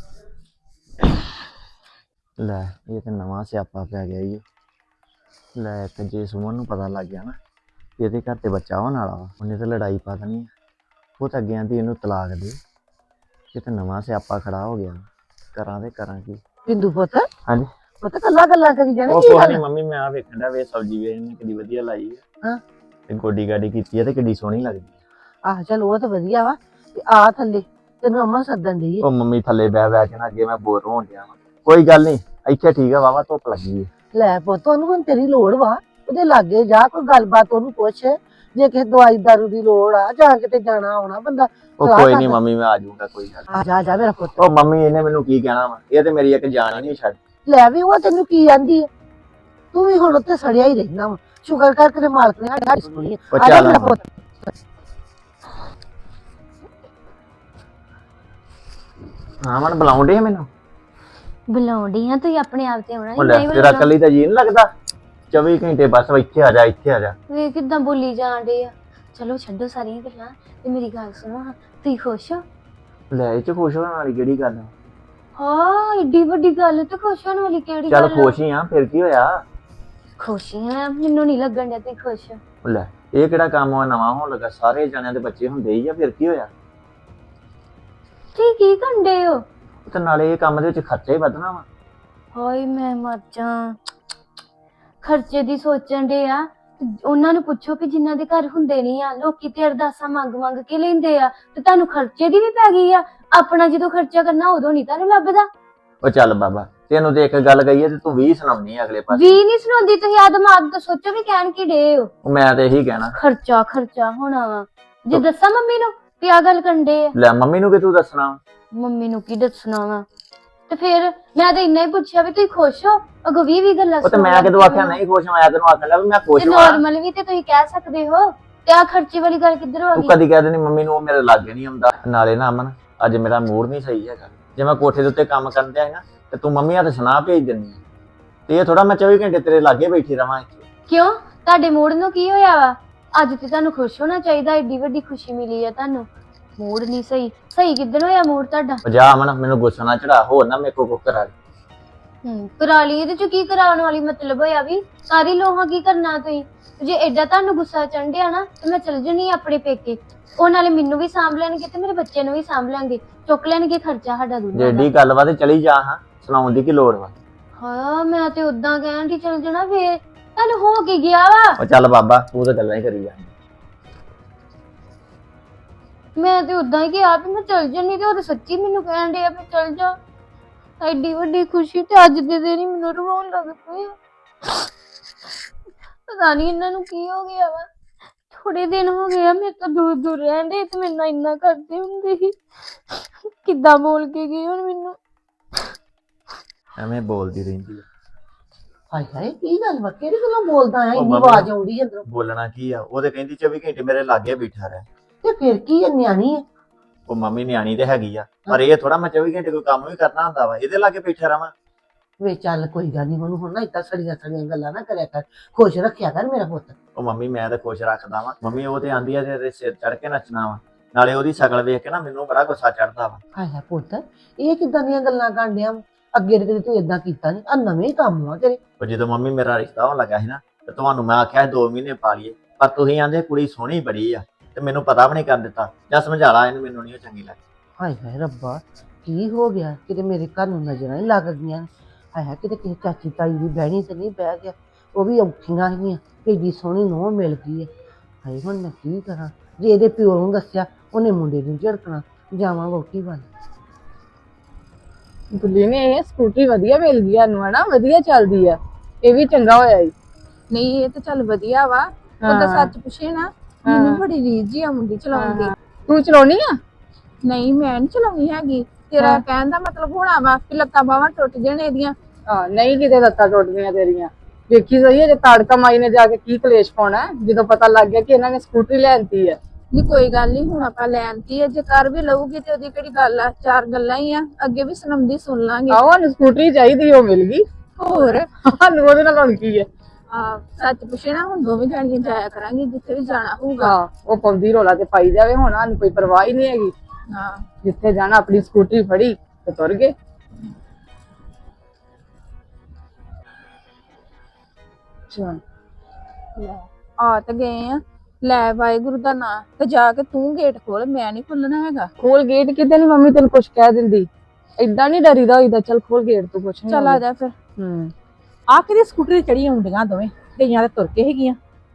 Speaker 5: ਲੈ ਇਹ ਤੇ ਨਵਾਂ ਸਿਆਪਾ ਪੈ ਗਿਆ ਈ। ਲੈ ਤੇ ਜੇ ਸੁਮਨ ਨੂੰ ਪਤਾ ਲੱਗ ਗਿਆ ਨਾ ਇਹਦੇ ਘਰ ਤੇ ਬੱਚਾ ਹੋਣ ਵਾਲਾ ਵਾ, ਉਹਨੇ ਤੇ ਲੜਾਈ ਪਾ ਦੇਣੀ। ਉਹ ਤਾਂ ਅੱਗੇ ਆਂਦੀ ਇਹਨੂੰ ਤਲਾਕ ਦੇ। ਇਹ ਤੇ ਨਵਾਂ ਸਿਆਪਾ ਖੜਾ ਹੋ ਗਿਆ, ਕਰਾਂ ਤੇ ਕਰਾਂ ਕੀ?
Speaker 4: ਬਿੰਦੂ ਪੁੱਤ,
Speaker 5: ਹਾਂਜੀ
Speaker 4: ਪੁੱਤ ਕੱਲਾ ਕੱਲਾ ਕਰੀ ਜਾਣਾ
Speaker 5: ਉਹ
Speaker 4: ਕੀ
Speaker 5: ਕੋਈ
Speaker 4: ਗੱਲ?
Speaker 5: ਨਹੀਂ ਮੰਮੀ, ਮੈਂ ਆ ਵੇਖਣ ਦਾ ਵੇ ਸਬਜ਼ੀ ਵੇ ਇਹਨੇ ਕਿੰਨੀ ਵਧੀਆ ਲਾਈ ਆ।
Speaker 4: ਹਾਂ।
Speaker 5: ਤੇ ਗੋਡੀ ਗਾਡੀ ਕੀਤੀ ਆ ਤੇ ਕਿੰਨੀ ਸੋਹਣੀ ਲੱਗਦੀ ਆ।
Speaker 4: ਆਹ ਚੱਲ ਉਹ ਤਾਂ ਵਧੀਆ ਵਾ। ਤੇ ਆ ਥੱਲੇ ਤੈਨੂੰ ਅੰਮਾ ਸੱਦਣ ਦੀ।
Speaker 5: ਉਹ ਮੰਮੀ ਥੱਲੇ ਬਹਿ ਬਹਿ ਕੇ ਨਾ ਅੱਗੇ ਮੈਂ ਬੋਰ ਹੋਣ ਡਿਆ ਵਾਂ। ਕੋਈ ਗੱਲ ਨਹੀਂ, ਇੱਥੇ ਠੀਕ ਆ, ਵਾਵਾ ਧੁੱਪ ਲੱਗੀ ਹੈ।
Speaker 4: ਲੈ ਪੁੱਤ, ਉਹਨੂੰ ਹੁਣ ਤੇਰੀ ਲੋੜ ਵਾ, ਉਹਦੇ ਲਾਗੇ ਜਾ, ਕੋਈ ਗੱਲਬਾਤ ਉਹਨੂੰ ਪੁੱਛ। ਜੇ ਕਿਸੇ ਦਵਾਈ ਦਾਰੂ ਦੀ ਲੋੜ ਆ, ਜਾਂ ਕਿਤੇ ਜਾਣਾ ਆਉਣਾ ਬੰਦਾ
Speaker 5: ਉਹ
Speaker 4: ਸਲਾਹ
Speaker 5: ਕੋਈ ਨਹੀਂ
Speaker 4: ਕਰਦਾ।
Speaker 5: ਮੰਮੀ, ਮੈਂ ਆ ਜਾਊਂਗਾ, ਕੋਈ ਗੱਲ ਨੀ।
Speaker 4: ਆ ਜਾ ਜਾ ਮੇਰਾ ਪੁੱਤ।
Speaker 5: ਉਹ ਮੰਮੀ ਇਹਨੇ ਮੈਨੂੰ ਕੀ ਕਹਿਣਾ ਵਾ, ਇਹ ਤੇ ਮੇਰੀ ਇੱਕ ਜਾਨ ਹੀ ਨਹੀਂ ਛੱਡ।
Speaker 4: ਲੈ ਵੀ ਉਹ ਤੈਨੂੰ ਕੀ ਆਂਦੀ ਹੈ? ਤੂੰ ਵੀ ਹੁਣ ਉੱਤੇ ਸੜਿਆ ਹੀ ਰਹਿਣਾ ਵਾ। ਸ਼ੁਕਰ ਕਰ ਤੇਰੇ ਮਾਲਕ ਨੇ ਸਾਡੀ ਸੁਣੀ ਹੈ।
Speaker 5: ਉਹ
Speaker 4: ਆ ਜਾ
Speaker 5: ਚੱਲ
Speaker 4: ਮੇਰਾ ਪੁੱਤ।
Speaker 5: ਹਾਂ ਮਨ ਬੁਲਾਉਂਦੇ ਮੈਨੂੰ।
Speaker 3: ਬੁਲਾਉਂਦੀ ਆ ਤੁਸੀਂ ਆਪਣੇ ਆਪ ਤੇ ਆਉਣਾ
Speaker 5: ਉਹ ਲੈ
Speaker 3: ਨਹੀਂ
Speaker 5: ਤੇਰਾ
Speaker 3: ਬੁਲਾਉਣਾ।
Speaker 5: ਕੱਲੀ ਤਾਂ ਜੀ ਨਹੀਂ ਲੱਗਦਾ 24 ਘੰਟੇ ਬਸ ਇੱਥੇ ਆ ਜਾ ਇੱਥੇ ਆ ਜਾ।
Speaker 3: ਵੇ ਕਿਦਾਂ ਬੋਲੀ ਜਾਂਦੇ ਆ। ਚਲੋ ਛੱਡੋ ਸਾਰੀਆਂ ਗੱਲਾਂ ਤੇ ਮੇਰੀ ਗੱਲ ਸੁਣੋ ਹਾਂ, ਤੁਸੀਂ ਖੁਸ਼ ਹੋ?
Speaker 5: ਲੈ ਇਹ ਚ ਖੁਸ਼ ਹੋਣ ਵਾਲੀ ਕਿਹੜੀ ਗੱਲ ਆ?
Speaker 3: ਹਾਂ ਏਡੀ ਵੱਡੀ ਗੱਲ ਤੇ ਖੁਸ਼ ਹੋਣ ਵਾਲੀ ਕਿਹੜੀ
Speaker 5: ਚੱਲ
Speaker 3: ਗੱਲ ਆ?
Speaker 5: ਖੁਸ਼ ਹੀ ਆ ਫਿਰ ਕੀ ਹੋਇਆ?
Speaker 3: ਖੁਸ਼ੀ ਆ ਮੈਨੂੰ ਨਹੀਂ ਲੱਗਣ ਡਿਆ ਤੁਸੀਂ ਖੁਸ਼ ਹੋ।
Speaker 5: ਉਹ ਲੈ ਇਹ ਕਿਹੜਾ ਕੰਮ ਆ ਨਵਾਂ ਹੋਣ ਲੱਗਾ? ਸਾਰੇ ਜਣਿਆਂ ਦੇ ਬੱਚੇ ਹੁੰਦੇ ਹੀ ਆ, ਫਿਰ ਕੀ ਹੋਇਆ?
Speaker 3: ਤੁਸੀਂ ਕੀ ਕਰਦੇ ਹੋ?
Speaker 5: ਤੇ ਨਾਲੇ ਇਹ ਕੰਮ ਦੇ ਵਿੱਚ ਖਰਚਾ ਹੀ ਵਧਣਾ ਵਾ।
Speaker 3: ਹਾਏ ਮੈਂ ਮਰ ਜਾ। ਖਰਚੇ ਦੀ ਸੋਚਣ ਦੇ ਆ ਉਹਨਾਂ ਨੂੰ ਪੁੱਛੋ ਕਿ ਜਿਨ੍ਹਾਂ ਦੇ ਘਰ ਹੁੰਦੇ ਨਹੀਂ ਆ, ਲੋਕੀ ਤੇ ਅਰਦਾਸਾਂ ਮੰਗ ਕੇ ਲੈਂਦੇ ਆ ਤੇ ਤੁਹਾਨੂੰ ਖਰਚੇ ਦੀ ਵੀ ਪੈ ਗਈ ਆ। ਆਪਣਾ ਜਦੋਂ ਖਰਚਾ ਕਰਨਾ ਉਦੋਂ ਨਹੀਂ ਤੁਹਾਨੂੰ ਲੱਭਦਾ।
Speaker 5: ਉਹ ਚੱਲ ਬਾਬਾ ਤੈਨੂੰ ਤੇ ਇੱਕ ਗੱਲ ਕਹੀ ਤੇ ਤੂੰ 20 ਸੁਣਾਉਣੀ ਆ ਅਗਲੇ ਪਾਸੇ।
Speaker 3: ਵੀ ਨਹੀਂ ਸੁਣਾਉਂਦੀ ਤੁਸੀਂ ਆ ਦਿਮਾਗ ਤੋਂ ਸੋਚੋ ਵੀ ਕਹਿਣ ਕੀ ਡੇ ਹੋ।
Speaker 5: ਉਹ ਮੈਂ ਤੇ ਇਹੀ ਕਹਿਣਾ।
Speaker 3: ਖਰਚਾ ਹੋਣਾ ਵਾ। ਜੇ ਦੱਸਾਂ ਮੰਮੀ ਨੂੰ ਵੀ ਆ ਗੱਲ ਕੰਡੇ ਆ।
Speaker 5: ਲੈ ਮੰਮੀ ਨੂੰ ਕਿ ਤੂੰ ਦੱਸਣਾ?
Speaker 3: ਮੰਮੀ ਨੂੰ ਕੀ ਦੱਸਣਾ ਵਾ? ਤੇ ਫਿਰ ਮੈਂ ਤਾਂ ਇੰਨਾ ਹੀ ਪੁੱਛਿਆ ਵੀ ਤੁਸੀਂ ਖੁਸ਼ ਹੋ? ਅਗੋ 20 ਗੱਲਾਂ
Speaker 5: ਉਹ ਤੇ ਮੈਂ ਕਿਦੋਂ ਆਖਿਆ ਨਹੀਂ ਖੁਸ਼? ਮੈਂ ਤੈਨੂੰ ਆਖਣ ਲੱਗਾ ਵੀ ਮੈਂ ਖੁਸ਼ ਹਾਂ।
Speaker 3: ਨਾਰਮਲ ਵੀ ਤੇ ਤੁਸੀਂ ਕਹਿ ਸਕਦੇ ਹੋ ਤੇ ਆ ਖਰਚੇ ਵਾਲੀ ਗੱਲ ਕਿੱਧਰ ਆ
Speaker 5: ਤੂੰ
Speaker 3: ਗਈ?
Speaker 5: ਕਦੀ ਕਹਿ ਦੇਣੀ ਮੰਮੀ ਨੂੰ ਉਹ ਮੇਰੇ ਲਾਗੇ ਨਹੀਂ ਆਉਂਦਾ। ਨਾਲੇ ਨਾ ਅਮਨ ਅੱਜ ਮੇਰਾ ਮੂਡ ਨਹੀਂ ਸਹੀ ਹੈਗਾ। ਜੇ ਮੈਂ ਕੋਠੇ ਦੇ ਉੱਤੇ ਕੰਮ ਕਰਨ ਤੇ ਆਇਆ ਤੇ ਤੂੰ ਮੰਮੀ ਹੱਥ ਸੁਣਾ ਭੇਜ ਦਿੰਦੀ ਹੈ। ਤੇ ਇਹ ਥੋੜਾ ਮੈਂ 24 ਘੰਟੇ ਤੇਰੇ ਲਾਗੇ ਬੈਠੀ ਰਵਾਂ ਇੱਥੇ।
Speaker 3: ਕਿਉਂ ਤੁਹਾਡੇ ਮੂਡ ਨੂੰ ਕੀ ਹੋਇਆ ਵਾ? ਅੱਜ ਤੇ ਤੁਹਾਨੂੰ ਖੁਸ਼ ਹੋਣਾ ਚਾਹੀਦਾ, ਏਡੀ ਵੱਡੀ ਖੁਸ਼ੀ ਮਿਲੀ ਆ ਤੁਹਾਨੂੰ। ਮੂਡ ਨਹੀਂ ਸਹੀ ਕਿੱਦਣ ਹੋਇਆ ਮੂਡ ਤੁਹਾਡਾ?
Speaker 5: ਉਹ ਜਾ ਅਮਨ ਮੈਨੂੰ ਗੁੱਸਾ ਨਾ ਚੜਾ, ਹੋਰ ਨਾ ਮੇਰੇ ਕੋ ਕਰਾ ਲਈ।
Speaker 3: ਕਰਾ ਲਈ ਇਹਦੇ ਚ ਕੀ ਕਰਾਉਣ ਵਾਲੀ ਮਤਲਬ ਹੋਇਆ ਵੀ? ਸਾਰੀ ਲੋਹਾ ਕੀ ਕਰਨਾ ਤੁਸੀਂ? ਜੇ ਐਡਾ ਤੁਹਾਨੂੰ ਗੁੱਸਾ ਚੜ੍ਹਿਆ ਨਾ ਤੇ ਮੈਂ ਚਲ ਜਣੀ ਆਪਣੇ ਪੇਕੇ। ਉਹ ਨਾਲੇ ਮੈਨੂੰ ਵੀ ਸਾਂਭ ਲੈਣਗੇ ਤੇ ਮੇਰੇ ਬੱਚੇ ਨੂੰ ਵੀ ਸਾਂਭ ਲੈਣਗੇ, ਚੁੱਕ ਲੈਣਗੇ ਖਰਚਾ ਸਾਡਾ
Speaker 5: ਜੇ
Speaker 3: ਦੋਨਾਂ ਦਾ।
Speaker 5: ਏਡੀ ਗੱਲ ਵਾ ਤੇ ਚਲੀ ਜਾ। ਹਾਂ ਸੁਣਾਉਣ ਦੀ ਕੀ ਲੋੜ ਵਾ?
Speaker 3: ਹਾਂ ਮੈਂ ਤੇ ਉਦਾਂ ਕਹਿਣ ਦੀ ਚਲ ਜਾਣਾ, ਫੇਰ ਤੁਹਾਨੂੰ ਹੋ ਕੀ ਗਿਆ ਵਾ?
Speaker 5: ਉਹ ਚੱਲ ਬਾਬਾ ਤੂੰ ਤਾਂ ਗੱਲਾਂ ਹੀ ਕਰੀ ਜਾਂਦੀ।
Speaker 3: ਮੈਂ ਤੇ ਉਦਾਂ ਹੀ ਕਿਹਾ ਵੀ ਮੈਂ ਚਲ ਜਾਣੀ ਤੇ ਉਹ ਤੇ ਸੱਚੀ ਮੈਨੂੰ ਕਹਿਣ ਡਿਆ ਵੀ ਚਲ ਜਾ। ਐਡੀ ਵੱਡੀ ਖੁਸ਼ੀ ਤੇ ਅੱਜ ਦੇ ਦਿਨ ਹੀ ਮੈਨੂੰ ਰਵਾਉਣ ਲੱਗ ਪਈ ਆ। ਪਤਾ ਨਹੀਂ ਇਹਨਾਂ ਨੂੰ ਕੀ ਹੋ ਗਿਆ ਵਾ। ਥੋੜੇ ਦਿਨ ਹੋ ਗਏ ਆ ਮੇਰੇ ਤੋਂ ਦੂਰ ਰਹਿੰਦੇ ਤੇ ਮੈਨੂੰ ਇੰਨਾ ਕਰਦੇ ਹੁੰਦੇ ਸੀ। ਕਿੱਦਾਂ ਬੋਲ ਕੇ ਗਏ ਹੁਣ ਮੈਨੂੰ।
Speaker 5: ਐਵੇਂ ਬੋਲਦੀ ਰਹਿੰਦੀ ਆ।
Speaker 4: ਹਾਏ ਹਾਏ ਕੀ ਗੱਲ ਵਾ? ਕਿਹੜੀ ਗੱਲੋਂ ਬੋਲਦਾ ਆ?
Speaker 5: ਉਹ
Speaker 4: ਇੰਨੀ
Speaker 5: ਮੰਮੀ-
Speaker 4: ਆਵਾਜ਼ ਆਉਂਦੀ ਅੰਦਰੋਂ।
Speaker 5: ਬੋਲਣਾ ਕੀ ਆ? ਉਹ ਤੇ ਕਹਿੰਦੀ 24 ਘੰਟੇ ਮੇਰੇ ਲਾਗੇ ਬੈਠਾ ਰਹਿ।
Speaker 4: ਤੇ ਫਿਰ ਕੀ ਹੈ, ਨਿਆਣੀ ਹੈ।
Speaker 5: ਉਹ ਮੰਮੀ ਨਿਆਣੀ ਤੇ ਹੈਗੀ ਆ, ਪਰ ਇਹ ਥੋੜਾ ਮੈਂ 24 ਘੰਟੇ ਕੋਈ ਕੰਮ ਵੀ ਕਰਨਾ ਹੁੰਦਾ ਵਾ ਇਹਦੇ ਲਾਗੇ ਬੈਠਾ ਰਵਾਂ।
Speaker 4: ਵੇ ਚੱਲ ਕੋਈ ਗੱਲ ਨਹੀਂ, ਉਹਨੂੰ ਹੁਣ ਨਾ ਏਦਾਂ ਸੜੀਆਂ ਗੱਲਾਂ ਨਾ ਕਰਿਆ ਕਰ, ਖੁਸ਼ ਰੱਖਿਆ ਕਰ ਮੇਰਾ ਪੁੱਤ।
Speaker 5: ਉਹ ਮੰਮੀ ਮੈਂ ਤਾਂ ਖੁਸ਼ ਰੱਖਦਾ ਵਾਂ। ਮੰਮੀ ਉਹ ਤੇ ਆਂਦੀ ਆ ਤੇ ਸਿਰ ਚੜ ਕੇ ਨੱਚਣਾ ਵਾ। ਨਾਲੇ ਉਹਦੀ ਸ਼ਕਲ ਵੇਖ ਕੇ ਨਾ ਮੈਨੂੰ ਬੜਾ ਗੁੱਸਾ ਚੜਦਾ ਵਾ।
Speaker 4: ਹਾਏ ਹਾਏ ਪੁੱਤ, ਇਹ ਕਿੱਦਾਂ ਦੀਆਂ ਗੱਲਾਂ ਕਾਂਡਿਆ? ਅੱਗੇ ਤੇ ਕਦੇ ਤੂੰ ਏਦਾਂ ਕੀਤਾ ਨਹੀਂ, ਆ ਨਵੇਂ ਕੰਮ ਆ ਤੇਰੇ।
Speaker 5: ਉਹ ਜਦੋਂ ਮੰਮੀ ਮੇਰਾ ਰਿਸ਼ਤਾ ਹੋਣ ਲੱਗਾ ਸੀ ਨਾ ਤੇ ਤੁਹਾਨੂੰ ਮੈਂ ਆਖਿਆ 2 ਮਹੀਨੇ ਪਾ ਲਈਏ, ਪਰ ਤੁਸੀਂ ਆਂਦੇ ਕੁੜੀ ਸੋਹਣੀ ਬੜੀ ਆ ਤੇ ਮੈਨੂੰ ਪਤਾ ਵੀ ਨਹੀਂ ਕਰ ਦਿੱਤਾ। ਜਾਂ ਸਮਝਾ ਲਾ ਇਹਨੂੰ, ਮੈਨੂੰ ਨਹੀਂ ਉਹ ਚੰਗੀ ਲੱਗਦੀ।
Speaker 4: ਹਾਏ ਹਾਏ ਰੱਬਾ, ਕੀ ਹੋ ਗਿਆ? ਕਿਤੇ ਮੇਰੇ ਘਰ ਨੂੰ ਨਜ਼ਰਾਂ ਹੀ ਲੱਗ ਗਈਆਂ। ਹਾਏ ਹਾਏ ਕਿਤੇ ਕਿਸੇ ਚਾਚੀ ਤਾਈ ਦੀ ਬਹਿਣੀ ਤੇ ਨਹੀਂ ਬਹਿ ਗਿਆ? ਉਹ ਵੀ ਔਖੀਆਂ ਸੀਗੀਆਂ ਕਿ ਏਡੀ ਸੋਹਣੀ ਨੂੰਹ ਮਿਲ ਗਈ ਹੈ। ਹਾਏ ਹੁਣ ਮੈਂ ਕੀ ਕਰਾਂ? ਜੇ ਇਹਦੇ ਪਿਓ ਨੂੰ ਦੱਸਿਆ ਉਹਨੇ ਮੁੰਡੇ ਨੂੰ ਝੜਕਣਾ। ਜਾਵਾਂ ਵਹੁਟੀ ਵੱਲ।
Speaker 6: ਬੁੱਲੀ ਨੇ ਇਹ ਸਕੂਟਰੀ ਵਧੀਆ ਮਿਲ ਗਈ ਸਾਨੂੰ, ਹਨਾ? ਵਧੀਆ ਚੱਲਦੀ ਆ, ਇਹ ਵੀ ਚੰਗਾ ਹੋਇਆ ਈ।
Speaker 2: ਨਹੀਂ ਇਹ ਤਾਂ ਚੱਲ ਵਧੀਆ ਵਾ। ਉਹਦਾ ਸੱਚ ਪੁੱਛੇ ਨਾ, ਮੈਨੂੰ ਬੜੀ ਰੀਝ ਜੀ ਆਉਂਦੀ ਚਲਾਉਣ ਦੀ।
Speaker 6: ਤੂੰ ਚਲਾਉਣੀ ਆ?
Speaker 2: ਨਹੀਂ ਮੈਂ ਨਹੀਂ ਚਲਾਉਣੀ ਹੈਗੀ। ਤੇਰਾ ਕਹਿਣ ਦਾ ਮਤਲਬ ਹੋਣਾ ਵਾ ਕਿ ਲੱਤਾਂ ਬਾਹਾਂ ਟੁੱਟ ਜਾਣ ਇਹਦੀਆਂ।
Speaker 6: ਨਹੀਂ ਕਿਤੇ ਲੱਤਾਂ ਟੁੱਟਦੀਆਂ ਤੇਰੀਆਂ। ਵੇਖੀ ਸਹੀ ਜੇ ਤਾੜਕਾ ਮਾਈ ਨੇ ਜਾ ਕੇ ਕੀ ਕਲੇਸ਼ ਪਾਉਣਾ ਜਦੋਂ ਪਤਾ ਲੱਗ ਗਿਆ ਕਿ ਇਹਨਾਂ ਨੇ ਸਕੂਟਰੀ ਲੈਣਤੀ ਆ।
Speaker 2: ਨਹੀਂ ਕੋਈ ਗੱਲ ਨਹੀਂ, ਹੁਣ ਆਪਾਂ ਲੈਣਤੀ ਹੈ, ਜੇ ਕਰ ਵੀ ਲਊਗੀ ਤੇ ਉਹਦੀ ਕਿਹੜੀ ਗੱਲ ਆ? 4 ਗੱਲਾਂ ਹੀ ਆ, ਅੱਗੇ ਵੀ ਸੁਣਾਉਂਦੀ ਸੁਣ ਲਾਂਗੇ।
Speaker 6: ਆਹੋ ਸਾਨੂੰ ਸਕੂਟਰੀ ਚਾਹੀਦੀ, ਉਹ ਮਿਲ ਗਈ।
Speaker 2: ਹੋਰ
Speaker 6: ਸਾਨੂੰ ਉਹਦੇ ਨਾਲ ਹੁਣ ਕੀ ਹੈ?
Speaker 2: ਸੱਚ ਪੁੱਛੇ ਨਾ, ਹੁਣ ਦੋਵੇਂ ਜਾਣੀਆਂ ਜਾਇਆ ਕਰਾਂਗੇ ਜਿੱਥੇ ਵੀ ਜਾਣਾ ਹੋਊਗਾ।
Speaker 6: ਹਾਂ ਉਹ ਪਾਉਂਦੀ ਰੋਲਾ ਤੇ ਪਾਈ ਜਾਵੇ, ਹੁਣ ਸਾਨੂੰ ਕੋਈ ਪਰਵਾਹ ਹੀ ਨਹੀਂ ਹੈਗੀ।
Speaker 2: ਹਾਂ
Speaker 6: ਜਿੱਥੇ ਜਾਣਾ ਆਪਣੀ ਸਕੂਟਰੀ ਫੜੀ ਤੇ ਤੁਰ ਗਏ।
Speaker 2: ਆ ਤਾਂ ਗਏ ਆ, ਲੈ ਵਾਹਿਗੁਰੂ ਦਾ ਨਾਂ ਤੇ ਜਾ ਕੇ ਤੂੰ ਗੇਟ ਖੋਲ, ਮੈਂ ਨਹੀਂ ਖੋਲਣਾ ਹੈਗਾ।
Speaker 6: ਖੋਲ ਗੇਟ ਕਿਤੇ ਨੀ ਮੰਮੀ ਤੈਨੂੰ ਕੁਛ ਕਹਿ ਦਿੰਦੀ। ਏਦਾਂ ਨੀ ਡਰੀਦਾ ਹੋਈਦਾ। ਚੱਲ ਖੋਲ ਗੇਟ ਤੂੰ, ਕੁਛ ਨੀ
Speaker 2: ਚੱਲ ਆ ਜਾ ਫਿਰ। ਆ ਕਿਹਦੀ ਸਕੂਟਰੀ ਚੜੀ ਆਉਂਦੀਆਂ ਦੋਵੇਂ ਗਈਆਂ ਤੇ ਤੁਰ ਕੇ ਹੈਗੀਆਂ।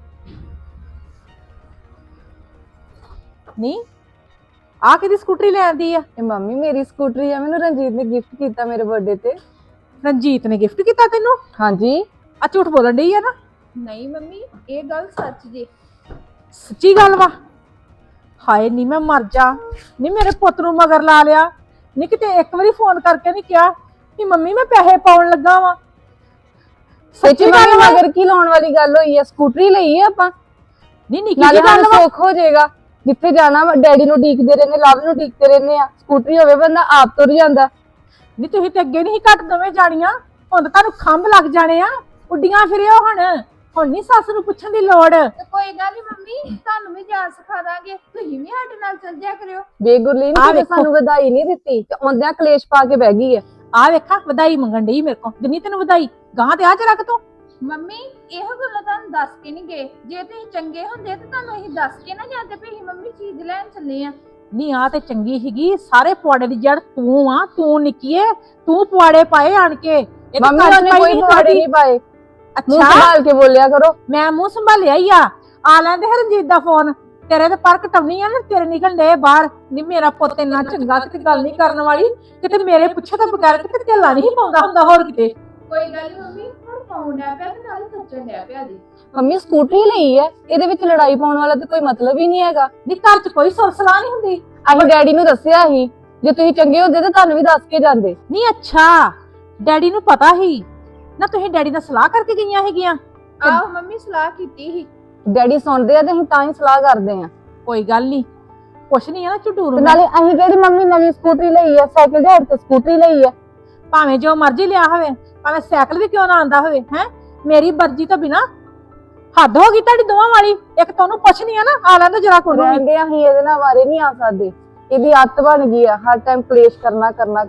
Speaker 2: ਨਹੀਂ ਆ ਕਿਹਦੀ ਸਕੂਟਰੀ ਲੈਂਦੀ ਆ?
Speaker 6: ਇਹ ਮੰਮੀ ਮੇਰੀ ਸਕੂਟਰੀ ਆ, ਮੈਨੂੰ ਰਣਜੀਤ ਨੇ ਗਿਫਟ ਕੀਤਾ ਮੇਰੇ ਬਰਥਡੇ ਤੇ।
Speaker 2: ਰਣਜੀਤ ਨੇ ਗਿਫਟ ਕੀਤਾ ਤੈਨੂੰ?
Speaker 6: ਹਾਂਜੀ।
Speaker 2: ਆ ਝੂਠ ਬੋਲਣ ਡਈ ਆ ਨਾ? ਨਹੀਂ ਮੰਮੀ ਇਹ ਗੱਲ ਸੱਚ ਜੀ, ਸੱਚੀ ਗੱਲ ਵਾ। ਹਾਏ ਨੀ ਮੈਂ ਮਰ ਜਾ। ਨੀ ਮੇਰੇ ਪੁੱਤ ਨੂੰ ਮਗਰ ਲਾ ਲਿਆ। ਨੀ ਕਿਤੇ ਇੱਕ ਵਾਰੀ ਫੋਨ ਕਰਕੇ ਨਹੀਂ ਕਿਹਾ ਕਿ ਮੰਮੀ ਮੈਂ ਪੈਸੇ ਪਾਉਣ ਲੱਗਾ ਵਾਂ?
Speaker 6: ਸੱਚੀ ਗੱਲ ਮਗਰ ਕੀ ਲਾਉਣ ਵਾਲੀ ਗੱਲ ਹੋਈ ਆ? ਸਕੂਟਰੀ ਲਈ ਆ ਆਪਾਂ,
Speaker 2: ਨਹੀਂ ਨਿੱਕੀ
Speaker 6: ਨਾਲੇ
Speaker 2: ਜਿਹੀ ਗੱਲ
Speaker 6: ਸਾਨੂੰ
Speaker 2: ਵਾ।
Speaker 6: ਸੁੱਖ ਹੋ ਜਾਏਗਾ। ਜਿੱਥੇ ਜਾਣਾ ਵਾ ਡੈਡੀ ਨੂੰ ਡੀਕਦੇ ਰਹਿੰਦੇ, ਲਵ ਨੂੰ ਡੀਕਦੇ ਰਹਿੰਦੇ ਆ। ਸਕੂਟਰੀ ਹੋਵੇ ਬੰਦਾ ਆਪ ਤੁਰ ਜਾਂਦਾ।
Speaker 2: ਨਹੀਂ ਤੁਸੀਂ ਤੇ ਅੱਗੇ ਨਹੀਂ ਘੱਟ ਦੋਵੇਂ ਜਾਣੀਆਂ, ਹੁਣ ਤਾਂ ਤੁਹਾਨੂੰ ਖੰਭ ਲੱਗ ਜਾਣੇ ਆ। ਉੱਡੀਆਂ ਫਿਰਿਓ ਹੁਣ ਨਹੀਂ ਸੱਸ ਨੂੰ ਪੁੱਛਣ ਦੀ ਲੋੜ।
Speaker 7: ਤੇ ਕੋਈ ਗੱਲ ਨਹੀਂ ਮੰਮੀ, ਤੁਹਾਨੂੰ ਵੀ ਜਾਚ ਸਿਖਾ ਦਾਂਗੇ, ਤੁਸੀਂ ਵੀ ਸਾਡੇ ਨਾਲ ਚੱਲ ਜਿਆ ਕਰਿਓ।
Speaker 6: ਬੇਗੁਰਲੀਨ
Speaker 2: ਆਹ
Speaker 6: ਨੇ
Speaker 2: ਵੇਖੋ।
Speaker 6: ਸਾਨੂੰ ਵਧਾਈ ਨਹੀਂ ਦਿੱਤੀ ਤੇ ਆਉਂਦਿਆਂ ਕਲੇਸ਼ ਪਾ ਕੇ ਬਹਿ ਗਈ ਆ।
Speaker 2: ਆ ਵੇਖਾ ਵਧਾਈ ਮੰਗਣ ਡਈ ਮੇਰੇ ਕੋਲ, ਦਿੰਨੀ ਤੈਨੂੰ ਵਧਾਈ, ਗਾਂ ਤੇ ਆ ਚ ਰੱਖ ਤੂੰ।
Speaker 7: ਮੰਮੀ ਇਹੋ ਗੱਲਾਂ ਤੁਹਾਨੂੰ ਦੱਸ ਕੇ ਨਹੀਂ ਗਏ, ਜੇ ਤੁਸੀਂ ਚੰਗੇ ਹੁੰਦੇ ਤੇ ਤੁਹਾਨੂੰ ਅਸੀਂ ਦੱਸ ਕੇ ਨਾ ਜਾਂਦੇ ਵੀ ਅਸੀਂ ਮੰਮੀ ਚੀਜ਼ ਲੈਣ ਚੱਲੇ ਆ।
Speaker 2: ਨਹੀਂ ਆ ਤੇ ਚੰਗੀ ਸੀਗੀ, ਸਾਰੇ ਪੁਆੜੇ ਦੀ ਜੜ ਤੂੰ ਆ, ਤੂੰ ਨਿੱਕੀਏ, ਤੂੰ ਪੁਆੜੇ ਪਾਏ ਆਣ ਕੇ। ਇਹ ਤਾਂ
Speaker 6: ਮੰਮੀ
Speaker 2: ਘਰ ਚ
Speaker 6: ਉਹਨੇ
Speaker 2: ਪਾਈ
Speaker 6: ਕੋਈ
Speaker 2: ਨੀ
Speaker 6: ਪਵਾੜੇ
Speaker 2: ਤੁਹਾਡੀ।
Speaker 6: ਨਹੀਂ ਪਾਏ। ਮੂੰਹ
Speaker 2: ਅੱਛਾ
Speaker 6: ਸੰਭਾਲ ਕੇ ਬੋਲਿਆ ਕਰੋ।
Speaker 2: ਮੈਂ ਮੂੰਹ ਸੰਭਾਲਿਆ ਹੀ ਆ ਲੈਂਦੇ ਹਰਜੀਤ ਦਾ ਫੋਨ, ਤੇਰੇ ਤੇ ਪਰ ਕਟਾਉਣੀ ਆ ਨਾ, ਤੇਰੇ ਨਿਕਲ ਡੇ ਬਾਹਰ। ਨਹੀਂ ਮੇਰਾ ਪੁੱਤ ਇੰਨਾ ਚੰਗਾ, ਕਿਤੇ ਗੱਲ ਨਹੀਂ ਕਰਨ ਵਾਲੀ, ਕਿਤੇ ਮੇਰੇ ਪੁੱਛੇ ਤੋਂ ਬਗੈਰ ਕਿਤੇ ਢਿੱਲਾ ਨਹੀਂ ਪਾਉਂਦਾ ਹੁੰਦਾ ਹੋਰ ਕਿਤੇ।
Speaker 7: ਕੋਈ ਗੱਲ ਨਹੀਂ ਮੰਮੀ, ਹੁਣ ਪਾਉਣ ਡਿਆ ਪਿਆ ਤੇ ਨਾਲ ਹੀ ਖਰਚਣ ਡਿਆ ਪਿਆ ਜੀ।
Speaker 6: ਮੰਮੀ ਸਕੂਟਰੀ ਲਈ ਹੈ, ਇਹਦੇ ਵਿੱਚ ਲੜਾਈ ਪਾਉਣ ਵਾਲਾ ਤੇ ਕੋਈ ਮਤਲਬ ਹੀ ਨਹੀਂ ਹੈਗਾ।
Speaker 2: ਨਹੀਂ ਘਰ ਚ ਕੋਈ ਸੁਰਸਲਾ ਨਹੀਂ ਹੁੰਦੀ।
Speaker 6: ਅਸੀਂ ਡੈਡੀ ਨੂੰ ਦੱਸਿਆ ਸੀ, ਜੇ ਤੁਸੀਂ ਚੰਗੇ ਹੁੰਦੇ ਤਾਂ ਤੁਹਾਨੂੰ ਵੀ ਦੱਸ ਕੇ ਜਾਂਦੇ।
Speaker 2: ਨਹੀਂ ਅੱਛਾ ਡੈਡੀ ਨੂੰ ਪਤਾ ਹੀ ਨਾ, ਤੁਸੀਂ ਡੈਡੀ ਨਾਲ ਸਲਾਹ ਕਰਕੇ ਗਈਆਂ ਹੈਗੀਆਂ।
Speaker 7: ਆਹੋ ਮੰਮੀ ਸਲਾਹ ਕੀਤੀ ਸੀ।
Speaker 6: ਡੈਡੀ ਸੁਣਦੇ ਆ ਤੇ ਅਸੀਂ ਤਾਂ ਹੀ ਸਲਾਹ ਕਰਦੇ ਆ।
Speaker 2: ਕੋਈ ਗੱਲ ਨਹੀਂ, ਕੁਛ ਨਹੀਂ ਆ ਨਾ ਝਟੂਰ
Speaker 6: ਤੇ ਨਾਲੇ ਅਸੀਂ ਕਿਹੜੀ ਮੰਮੀ ਨਵੀਂ ਸਕੂਟਰੀ ਲਈ ਆ, ਸਾਈਕਲ ਦੇ ਹੱਥ ਤੇ ਸਕੂਟਰੀ ਲਈ ਆ।
Speaker 2: ਭਾਵੇਂ ਜੋ ਮਰਜ਼ੀ ਲਿਆ ਹੋਵੇ, ਭਾਵੇਂ ਸਾਈਕਲ ਵੀ ਕਿਉਂ ਨਾ ਆਂਦਾ ਹੋਵੇ, ਹੈ ਮੇਰੀ ਮਰਜ਼ੀ ਤੋਂ ਬਿਨਾ ਹੱਦ ਹੋ ਗਈ ਤੁਹਾਡੀ ਦੋਵਾਂ ਵਾਲੀ। ਇੱਕ ਤੁਹਾਨੂੰ ਪੁੱਛਣੀ ਆ ਨਾ, ਆ ਲੈਂਦੇ ਜਰਾ ਕੋਲ ਵੀ।
Speaker 6: ਰਹਿੰਦੇ ਅਸੀਂ ਇਹਦੇ ਨਾਲ ਵਾਰੇ ਨਹੀਂ ਆ ਸਕਦੇ, ਇਹਦੀ ਆਦਤ ਬਣ ਗਈ ਆ ਹਰ ਟਾਈਮ ਕਲੇਸ਼ ਕਰਨਾ।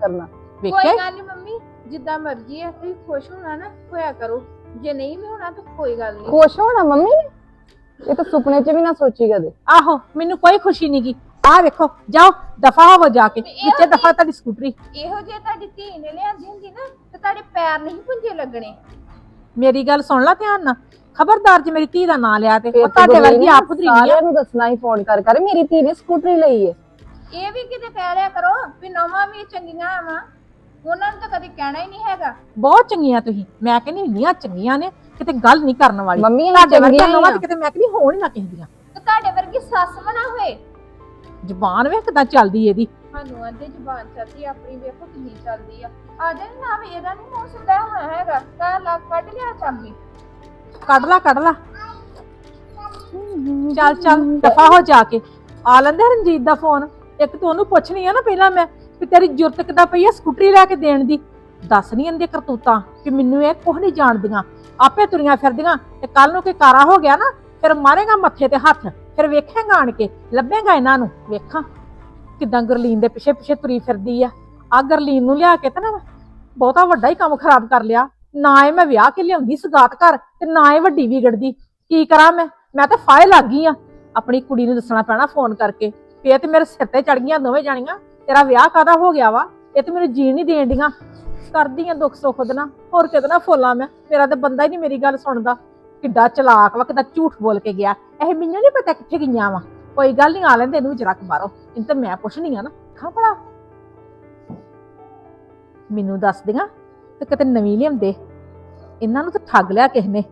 Speaker 7: ਕੋਈ
Speaker 2: ਵੇਖਿਆ
Speaker 7: ਗੱਲ ਨਹੀਂ ਮੰਮੀ, ਜਿੱਦਾਂ ਮਰਜ਼ੀ ਹੈ, ਤੁਸੀਂ ਖੁਸ਼ ਹੋਣਾ ਨਾ ਹੋਇਆ ਕਰੋ, ਜੇ ਨਹੀਂ ਵੀ ਹੋਣਾ ਤਾਂ ਕੋਈ ਗੱਲ ਨਹੀਂ।
Speaker 6: ਖੁਸ਼ ਹੋਣਾ ਮੰਮੀ ਨੇ, ਇਹ ਤਾਂ ਸੁਪਨੇ 'ਚ ਵੀ ਨਾ ਸੋਚੀ ਕਦੇ।
Speaker 2: ਆਹੋ ਮੈਨੂੰ ਕੋਈ ਖੁਸ਼ੀ ਨਹੀਂ ਗੀ। ਆਹ ਵੇਖੋ ਜਾਓ ਦਫਾ ਹੋਵੋ ਜਾ ਕੇ, ਵਿੱਚੇ ਦਫਾ ਤੁਹਾਡੀ ਸਕੂਟਰੀ।
Speaker 7: ਇਹੋ ਜੇ ਤੁਹਾਡੀ ਧੀ ਨੇ ਲਿਆਂਦੀ ਹੁੰਦੀ ਨਾ ਤੇ ਤੁਹਾਡੇ ਪੈਰ ਨਹੀਂ ਪੁੰਜੇ ਲੱਗਣੇ।
Speaker 2: ਮੇਰੀ ਗੱਲ ਸੁਣ ਲੈ ਧਿਆਨ ਨਾਲ, ਖਬਰਦਾਰ ਜੇ ਮੇਰੀ ਧੀ ਦਾ ਨਾਂ ਲਿਆ ਤੇ
Speaker 6: ਫਿਰ
Speaker 2: ਉਹ ਤੁਹਾਡੇ
Speaker 6: ਗੁਰਲੀਨ
Speaker 2: ਵਰਗੀ ਆਪ ਖੁਦਰੀ ਨਹੀਂ ਆ।
Speaker 6: ਸਾਰਿਆਂ ਨੂੰ ਦੱਸਣਾ ਹੀ ਫੋਨ ਕਰ ਮੇਰੀ ਧੀ ਨੇ ਸਕੂਟਰੀ ਲਈ ਹੈ।
Speaker 7: ਇਹ ਵੀ ਕਿਤੇ ਕਹਿ ਲਿਆ ਕਰੋ ਵੀ ਨਵਾਂ ਵੀ ਚੰਗੀਆਂ ਆਵਾਂ, ਉਹਨਾਂ ਨੂੰ ਤਾਂ ਕਦੇ ਕਹਿਣਾ ਹੀ ਨਹੀਂ ਹੈਗਾ।
Speaker 2: ਬਹੁਤ ਚੰਗੀਆਂ ਤੁਸੀਂ, ਮੈਂ ਕਹਿੰਦੀ ਇੰਨੀਆਂ ਚੰਗੀਆਂ ਨੇ ਕਿਤੇ ਗੱਲ ਨਹੀਂ ਕਰਨ ਵਾਲੀ।
Speaker 6: ਮੰਮੀ ਅਸੀਂ
Speaker 2: ਤੁਹਾਡੇ ਵਰਗੀਆਂ
Speaker 6: ਚੰਗੀਆਂ
Speaker 2: ਨਵਾਂ
Speaker 6: ਹੀ ਆ।
Speaker 2: ਕਿਤੇ ਮੈਂ ਕਹਿੰਦੀ ਹੋਣ ਹੀ ਨਾ ਕਿਸੇ ਦੀਆਂ।
Speaker 7: ਤੇ ਤੁਹਾਡੇ ਵਰਗੀ ਸੱਸ ਬਣਾ ਹੋਏ।
Speaker 2: ਜ਼ੁਬਾਨ ਵੇਖ ਕਿਦਾਂ ਚੱਲਦੀ ਇਹਦੀ।
Speaker 7: ਸਾਨੂੰ ਆਂਦੇ ਜ਼ੁਬਾਨ ਚੱਲਦੀ, ਆਪਣੀ ਵੇਖੋ ਕਿੰਨੀ ਚੱਲਦੀ ਆ। ਆ ਜਾ ਨਾ ਵੀ ਇਹਦਾ ਨਹੀਂ ਮੂੰਹ ਸਿੱਧਾ ਹੋਣਾ ਹੈਗਾ, ਤਾਂ ਲੱਗ ਕੱਢ ਲਿਆ ਚਾਬੀ।
Speaker 2: ਕੱਢ ਲਾ ਚੱਲ ਦਫਾ ਹੋ ਜਾ ਕੇ। ਆ ਲੈਂਦੇ ਰਣਜੀਤ ਦਾ ਫੋਨ। ਇੱਕ ਤੂੰ ਉਹਨੂੰ ਪੁੱਛਣੀ ਆ ਨਾ ਪਹਿਲਾਂ ਮੈਂ ਵੀ ਤੇਰੀ ਜੁਰਤ ਕਿੱਦਾਂ ਪਈ ਆ ਸਕੂਟਰੀ ਲੈ ਕੇ ਦੇਣ ਦੀ। ਦੱਸ ਨਹੀਂ ਇਹਦੇ ਕਰਤੂਤਾਂ ਕਿ ਮੈਨੂੰ ਇਹ ਕੁਝ ਨਹੀਂ ਜਾਣਦੀਆਂ, ਆਪੇ ਤੁਰੀਆਂ ਫਿਰਦੀਆਂ। ਤੇ ਕੱਲ ਨੂੰ ਕੋਈ ਕਾਰਾ ਹੋ ਗਿਆ ਨਾ, ਫਿਰ ਮਾਰੇਗਾ ਮੱਥੇ ਤੇ ਹੱਥ, ਫਿਰ ਵੇਖੇਗਾ ਆਣ ਕੇ, ਲੱਭੇਗਾ ਇਹਨਾਂ ਨੂੰ। ਵੇਖਾਂ ਕਿਦਾਂ ਗੁਰਲੀਨ ਦੇ ਪਿੱਛੇ ਪਿੱਛੇ ਤੁਰੀ ਫਿਰਦੀ ਆ ਗੁਰਲੀਨ ਨੂੰ ਲਿਆ ਕੇ ਤਾਂ ਨਾ ਬਹੁਤਾ ਵੱਡਾ ਹੀ ਕੰਮ ਖਰਾਬ ਕਰ ਲਿਆ। ਨਾ ਇਹ ਮੈਂ ਵਿਆਹ ਕੇ ਲਿਆਉਂਦੀ ਸਗਾਤ ਘਰ, ਤੇ ਨਾ ਇਹ ਵੱਡੀ ਵਿਗੜਦੀ। ਕੀ ਕਰਾਂ ਮੈਂ ਤਾਂ ਫਾਇਲ ਲੱਗ ਗਈ ਆ। ਆਪਣੀ ਕੁੜੀ ਨੂੰ ਦੱਸਣਾ ਪੈਣਾ ਫੋਨ ਕਰਕੇ ਵੀ ਇਹ ਤੇ ਮੇਰੇ ਸਿਰ ਤੇ ਚੜ ਗਈਆਂ ਦੋਵੇਂ ਜਾਣੀਆਂ। ਤੇਰਾ ਵਿਆਹ ਕਾਹਦਾ ਹੋ ਗਿਆ ਵਾ, ਇਹ ਤੇ ਮੈਨੂੰ ਜੀਣ ਨਹੀਂ ਦੇਣ ਡੀਆਂ। ਕਰਦੀ ਆ ਦੁੱਖ ਸੁੱਖ ਉਹਦੇ ਨਾਲ, ਹੋਰ ਕਿਹਦੇ ਨਾਲ ਫੋਲਾਂ ਮੈਂ। ਮੇਰਾ ਤੇ ਬੰਦਾ ਹੀ ਨਹੀਂ ਮੇਰੀ ਗੱਲ ਸੁਣਦਾ। ਕਿੱਡਾ ਚਲਾਕ ਵਾ, ਕਿੱਦਾਂ ਝੂਠ ਬੋਲ ਕੇ ਗਿਆ। ਇਹ ਮੈਨੂੰ ਨਹੀਂ ਪਤਾ ਕਿੱਥੇ ਗਈਆਂ ਵਾ। ਕੋਈ ਗੱਲ ਨਹੀਂ, ਆ ਲੈਂਦੇ ਇਹਨੂੰ ਜਰਾ ਕੁ ਬਾਹਰੋਂ, ਇਹਨੂੰ ਤਾਂ ਮੈਂ ਪੁੱਛਣੀ ਆ ਨਾ। ਖਾਂ ਭਲਾ ਮੈਨੂੰ ਦੱਸ ਦੀਆਂ ਤੇ ਕਿਤੇ ਨਵੀਂ ਲਿਆਉਂਦੇ। ਇਹਨਾਂ ਨੂੰ ਤਾਂ ਠੱਗ ਲਿਆ ਕਿਸ ਨੇ।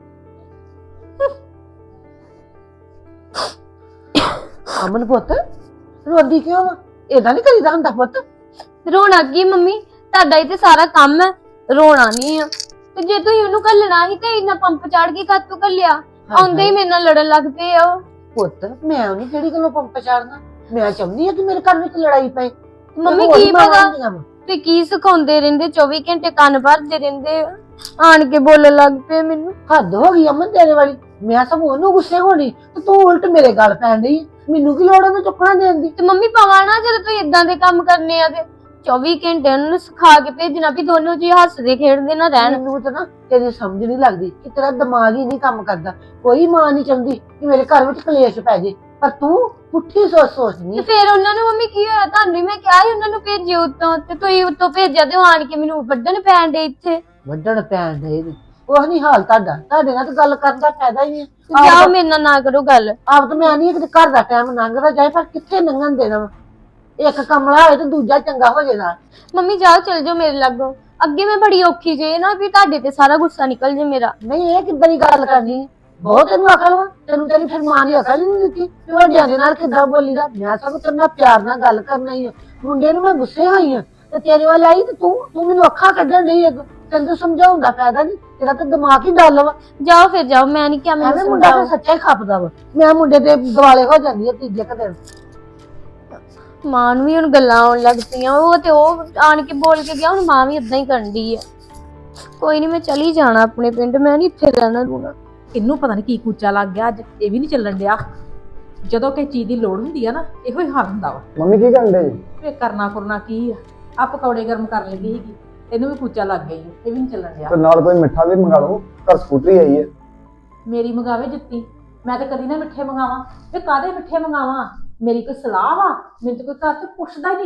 Speaker 4: ਅਮਨ ਪੁੱਤ ਰੋਂਦੀ ਕਿਉਂ ਵਾ? ਏਦਾਂ ਨਹੀਂ ਕਰੀਦਾ ਹੁੰਦਾ ਪੁੱਤ।
Speaker 3: ਰੋਣਾ ਕੀ ਮੰਮੀ, ਤੁਹਾਡਾ ਹੀ ਤੇ ਸਾਰਾ ਕੰਮ ਹੈ, ਰੋਣਾ ਨਹੀਂ ਆ। ਤੇ ਜੇ ਤੁਸੀਂ ਉਹਨੂੰ ਘੱਲਣਾ ਸੀ ਤੇ ਇੰਨਾ ਪੰਪ ਚੜ ਕੇ ਕਾਤੋਂ ਘੱਲਿਆ? ਆਉਂਦੇ ਹੀ ਮੇਰੇ ਨਾਲ ਲੜਨ ਲੱਗ ਪਏ ਆ।
Speaker 4: ਪੁੱਤ ਮੈਂ ਉਹਨੂੰ ਕਿਹੜੀ ਗੱਲੋਂ ਪੰਪ ਚਾੜਨਾ? ਮੈਂ ਚਾਹੁੰਦੀ ਆ ਕਿ ਮੇਰੇ ਘਰ ਵਿੱਚ ਲੜਾਈ ਪਏ।
Speaker 3: ਮੰਮੀ ਕੀ ਪਤਾ ਤੇ ਕੀ ਸਿਖਾਉਂਦੇ ਰਹਿੰਦੇ, 24 ਘੰਟੇ ਕੰਨ ਭਰਦੇ ਰਹਿੰਦੇ ਆ। ਆਣ ਕੇ ਬੋਲਣ ਲੱਗ ਪਏ ਮੈਨੂੰ।
Speaker 4: ਹੱਦ ਹੋ ਗਈ ਅਮਨ ਤੇਰੇ ਵਾਲੀ। ਮੈਂ ਸਭ ਉਹਨੂੰ ਗੁੱਸੇ ਹੋਣੀ ਤੇ ਤੂੰ ਉਲਟ ਮੇਰੇ ਗੱਲ ਪੈਣ ਡਈ। ਮੈਨੂੰ ਕੀ ਲੋੜ ਉਹਨੂੰ ਚੁੱਕਣਾ ਦੇਣ ਦੀ?
Speaker 3: ਤੇ ਮੰਮੀ ਪਵਾ ਨਾ, ਜਦੋਂ ਤੁਸੀਂ ਇਦਾਂ ਦੇ ਕੰਮ ਕਰਨੇ ਆ ਤੇ 24 ਘੰਟੇ ਉਹਨਾਂ ਨੂੰ ਸਿਖਾ ਕੇ ਭੇਜਣਾ ਵੀ ਦੋਨੋਂ ਜੀ ਹੱਸਦੇ ਖੇਡਦੇ ਨਾ ਰਹਿਣ।
Speaker 4: ਮੈਨੂੰ ਤਾਂ ਨਾ ਤੇਰੀ ਸਮਝ ਨਹੀਂ ਲੱਗਦੀ ਕਿ ਤੇਰਾ ਦਿਮਾਗ ਹੀ ਨਹੀਂ ਕੰਮ ਕਰਦਾ। ਕੋਈ ਮਾਂ ਨਹੀਂ ਚਾਹੁੰਦੀ ਕਿ ਮੇਰੇ ਘਰ ਵਿੱਚ ਕਲੇਸ਼ ਪੈ ਜੇ, ਪਰ ਤੂੰ ਪੁੱਠੀ ਸੋਚਦੀ।
Speaker 3: ਤੇ ਫਿਰ ਉਹਨਾਂ ਨੂੰ ਮੰਮੀ ਕੀ ਹੋਇਆ? ਤੁਹਾਨੂੰ ਹੀ ਮੈਂ ਕਿਹਾ ਸੀ ਉਹਨਾਂ ਨੂੰ ਭੇਜਿਓ ਉੱਤੋਂ, ਤੇ ਤੁਸੀਂ ਉੱਤੋਂ ਭੇਜਿਆ ਤੇ ਉਹ ਆਣ ਕੇ ਮੈਨੂੰ ਵੱਢਣ ਪੈਣ ਦੇ ਇੱਥੇ।
Speaker 4: ਵੱਢਣ ਪੈਣ ਦੇ ਉਹ ਨਹੀਂ ਹਾਲ ਤੁਹਾਡਾ। ਤੁਹਾਡੇ ਨਾਲ ਤਾਂ ਗੱਲ ਕਰਨ ਦਾ ਫਾਇਦਾ ਹੀ ਨਹੀਂ।
Speaker 3: ਜਾਓ ਮੇਰੇ ਨਾਲ ਨਾ ਕਰੋ ਗੱਲ।
Speaker 4: ਆਪ ਤਾਂ ਮੈਂ ਨਹੀਂ ਕਿ ਘਰ ਦਾ ਟਾਈਮ ਲੰਘਦਾ ਜਾਏ, ਪਰ ਕਿੱਥੇ ਲੰਘਣ ਦੇਣਾ ਵਾ? ਇੱਕ ਕਮਲਾ ਹੋਏ ਤੇ ਦੂਜਾ ਚੰਗਾ ਹੋ ਜੇ ਨਾਲ।
Speaker 3: ਮੰਮੀ ਜਾਓ ਚਲ ਜਾਓ ਮੇਰੇ ਲਾਗੋਂ। ਅੱਗੇ ਮੈਂ ਬੜੀ ਔਖੀ ਜੇ ਨਾ ਵੀ ਤੁਹਾਡੇ ਤੇ ਸਾਰਾ ਗੁੱਸਾ ਨਿਕਲ ਜੇ ਮੇਰਾ।
Speaker 4: ਨਹੀਂ ਇਹ ਕਿੱਦਾਂ ਦੀ ਗੱਲ ਕਰਨੀ? ਬਹੁਤ ਤੈਨੂੰ ਅਕਲ ਵਾ। ਤੈਨੂੰ ਤੇਰੀ ਫਿਰ ਮਾਂ ਨੇ ਅਕਲ ਨਹੀਂ ਦਿੱਤੀ ਕਿ ਵੱਡਿਆਂ ਦੇ ਨਾਲ ਕਿੱਦਾਂ ਬੋਲੀਦਾ। ਮੈਂ ਸਭ ਤੇਰੇ ਨਾਲ ਪਿਆਰ ਨਾਲ ਗੱਲ ਕਰਨਾ ਹੀ ਆ। ਮੁੰਡੇ ਨੂੰ ਮੈਂ ਗੁੱਸੇ ਹੋਈ ਆ ਤੇ ਤੇਰੇ ਵੱਲ ਆਈ ਤੇ ਤੂੰ ਮੈਨੂੰ ਅੱਖਾਂ ਕੱਢਣ ਡਈ। ਤੈਨੂੰ ਸਮਝਾਉਣ ਦਾ ਫਾਇਦਾ ਨਹੀਂ, ਤੇਰਾ ਤਾਂ ਦਿਮਾਗ ਹੀ ਡੱਲ ਵਾ।
Speaker 3: ਜਾਓ ਫਿਰ ਜਾਓ, ਮੈਂ ਨਹੀਂ ਕਿਹਾ ਮੈਨੂੰ
Speaker 4: ਐਵੇਂ ਮੁੰਡਾ ਤਾਂ
Speaker 3: ਸਮਝਾਓ।
Speaker 4: ਸੱਚਾ ਹੀ ਖਪਦਾ ਵਾ। ਮੈਂ ਮੁੰਡੇ ਦੇ ਦਿਵਾਲੇ ਹੋ ਜਾਂਦੀ ਆ ਤੀਜੇ ਕੁ ਦਿਨ।
Speaker 3: ਮਾਂ ਨੂੰ ਵੀ ਹੁਣ ਗੱਲਾਂ ਆਉਣ ਲੱਗ ਪਈਆਂ। ਉਹ ਤੇ ਉਹ ਆਣ ਕੇ ਬੋਲ ਕੇ ਗਿਆ, ਹੁਣ ਮਾਂ ਵੀ ਇਦਾਂ ਹੀ ਕਰਨ ਡਈ ਆ। ਕੋਈ ਨਹੀਂ, ਮੈਂ ਚਲੀ ਜਾਣਾ ਆਪਣੇ ਪਿੰਡ, ਮੈਂ ਨਹੀਂ ਇੱਥੇ ਰਹਿਣਾ ਰੂਣਾ।
Speaker 2: ਇਹਨੂੰ ਪਤਾ ਨਹੀਂ ਕੀ ਕੂਚਾ ਲੱਗ ਗਿਆ ਅੱਜ, ਇਹ ਵੀ ਨਹੀਂ ਚੱਲਣ ਡਿਆ। ਜਦੋਂ ਕਿਸੇ ਚੀਜ਼ ਦੀ ਲੋੜ ਹੁੰਦੀ ਆ ਨਾ, ਇਹੋ ਹੀ ਹਾਲ ਹੁੰਦਾ ਵਾ।
Speaker 5: ਮੰਮੀ ਕੀ ਕਰਦੇ ਜੀ?
Speaker 2: ਵੇ ਕਰਨਾ ਕੀ ਆ ਪਕੌੜੇ ਗਰਮ ਕਰ ਲੈਂਦੀ ਸੀਗੀ, ਇਹਨੂੰ ਵੀ ਕੂਚਾ ਲੱਗ ਗਿਆ ਈ, ਇਹ ਵੀ ਨਹੀਂ ਚੱਲਣ ਡਿਆ।
Speaker 5: ਤੇ ਨਾਲ ਕੋਈ ਮਿੱਠਾ ਵੀ ਮੰਗਾ ਲਓ, ਘਰ ਸਕੂਟਰੀ ਆਈ ਹੈ।
Speaker 2: ਮੇਰੀ ਮੰਗਾਵੇ ਜੁੱਤੀ, ਮੈਂ ਤਾਂ ਕਦੀ ਨਾ ਮਿੱਠੇ ਮੰਗਾਵਾਂ। ਵੇ ਕਾਹਦੇ ਮਿੱਠੇ ਮੰਗਾਵਾਂ? ਮੇਰੀ ਕੋਈ ਸਲਾਹ ਵਾ? ਮੈਨੂੰ ਤਾਂ ਕੋਈ ਘਰ ਚ ਪੁੱਛਦਾ ਹੀ ਨਹੀਂ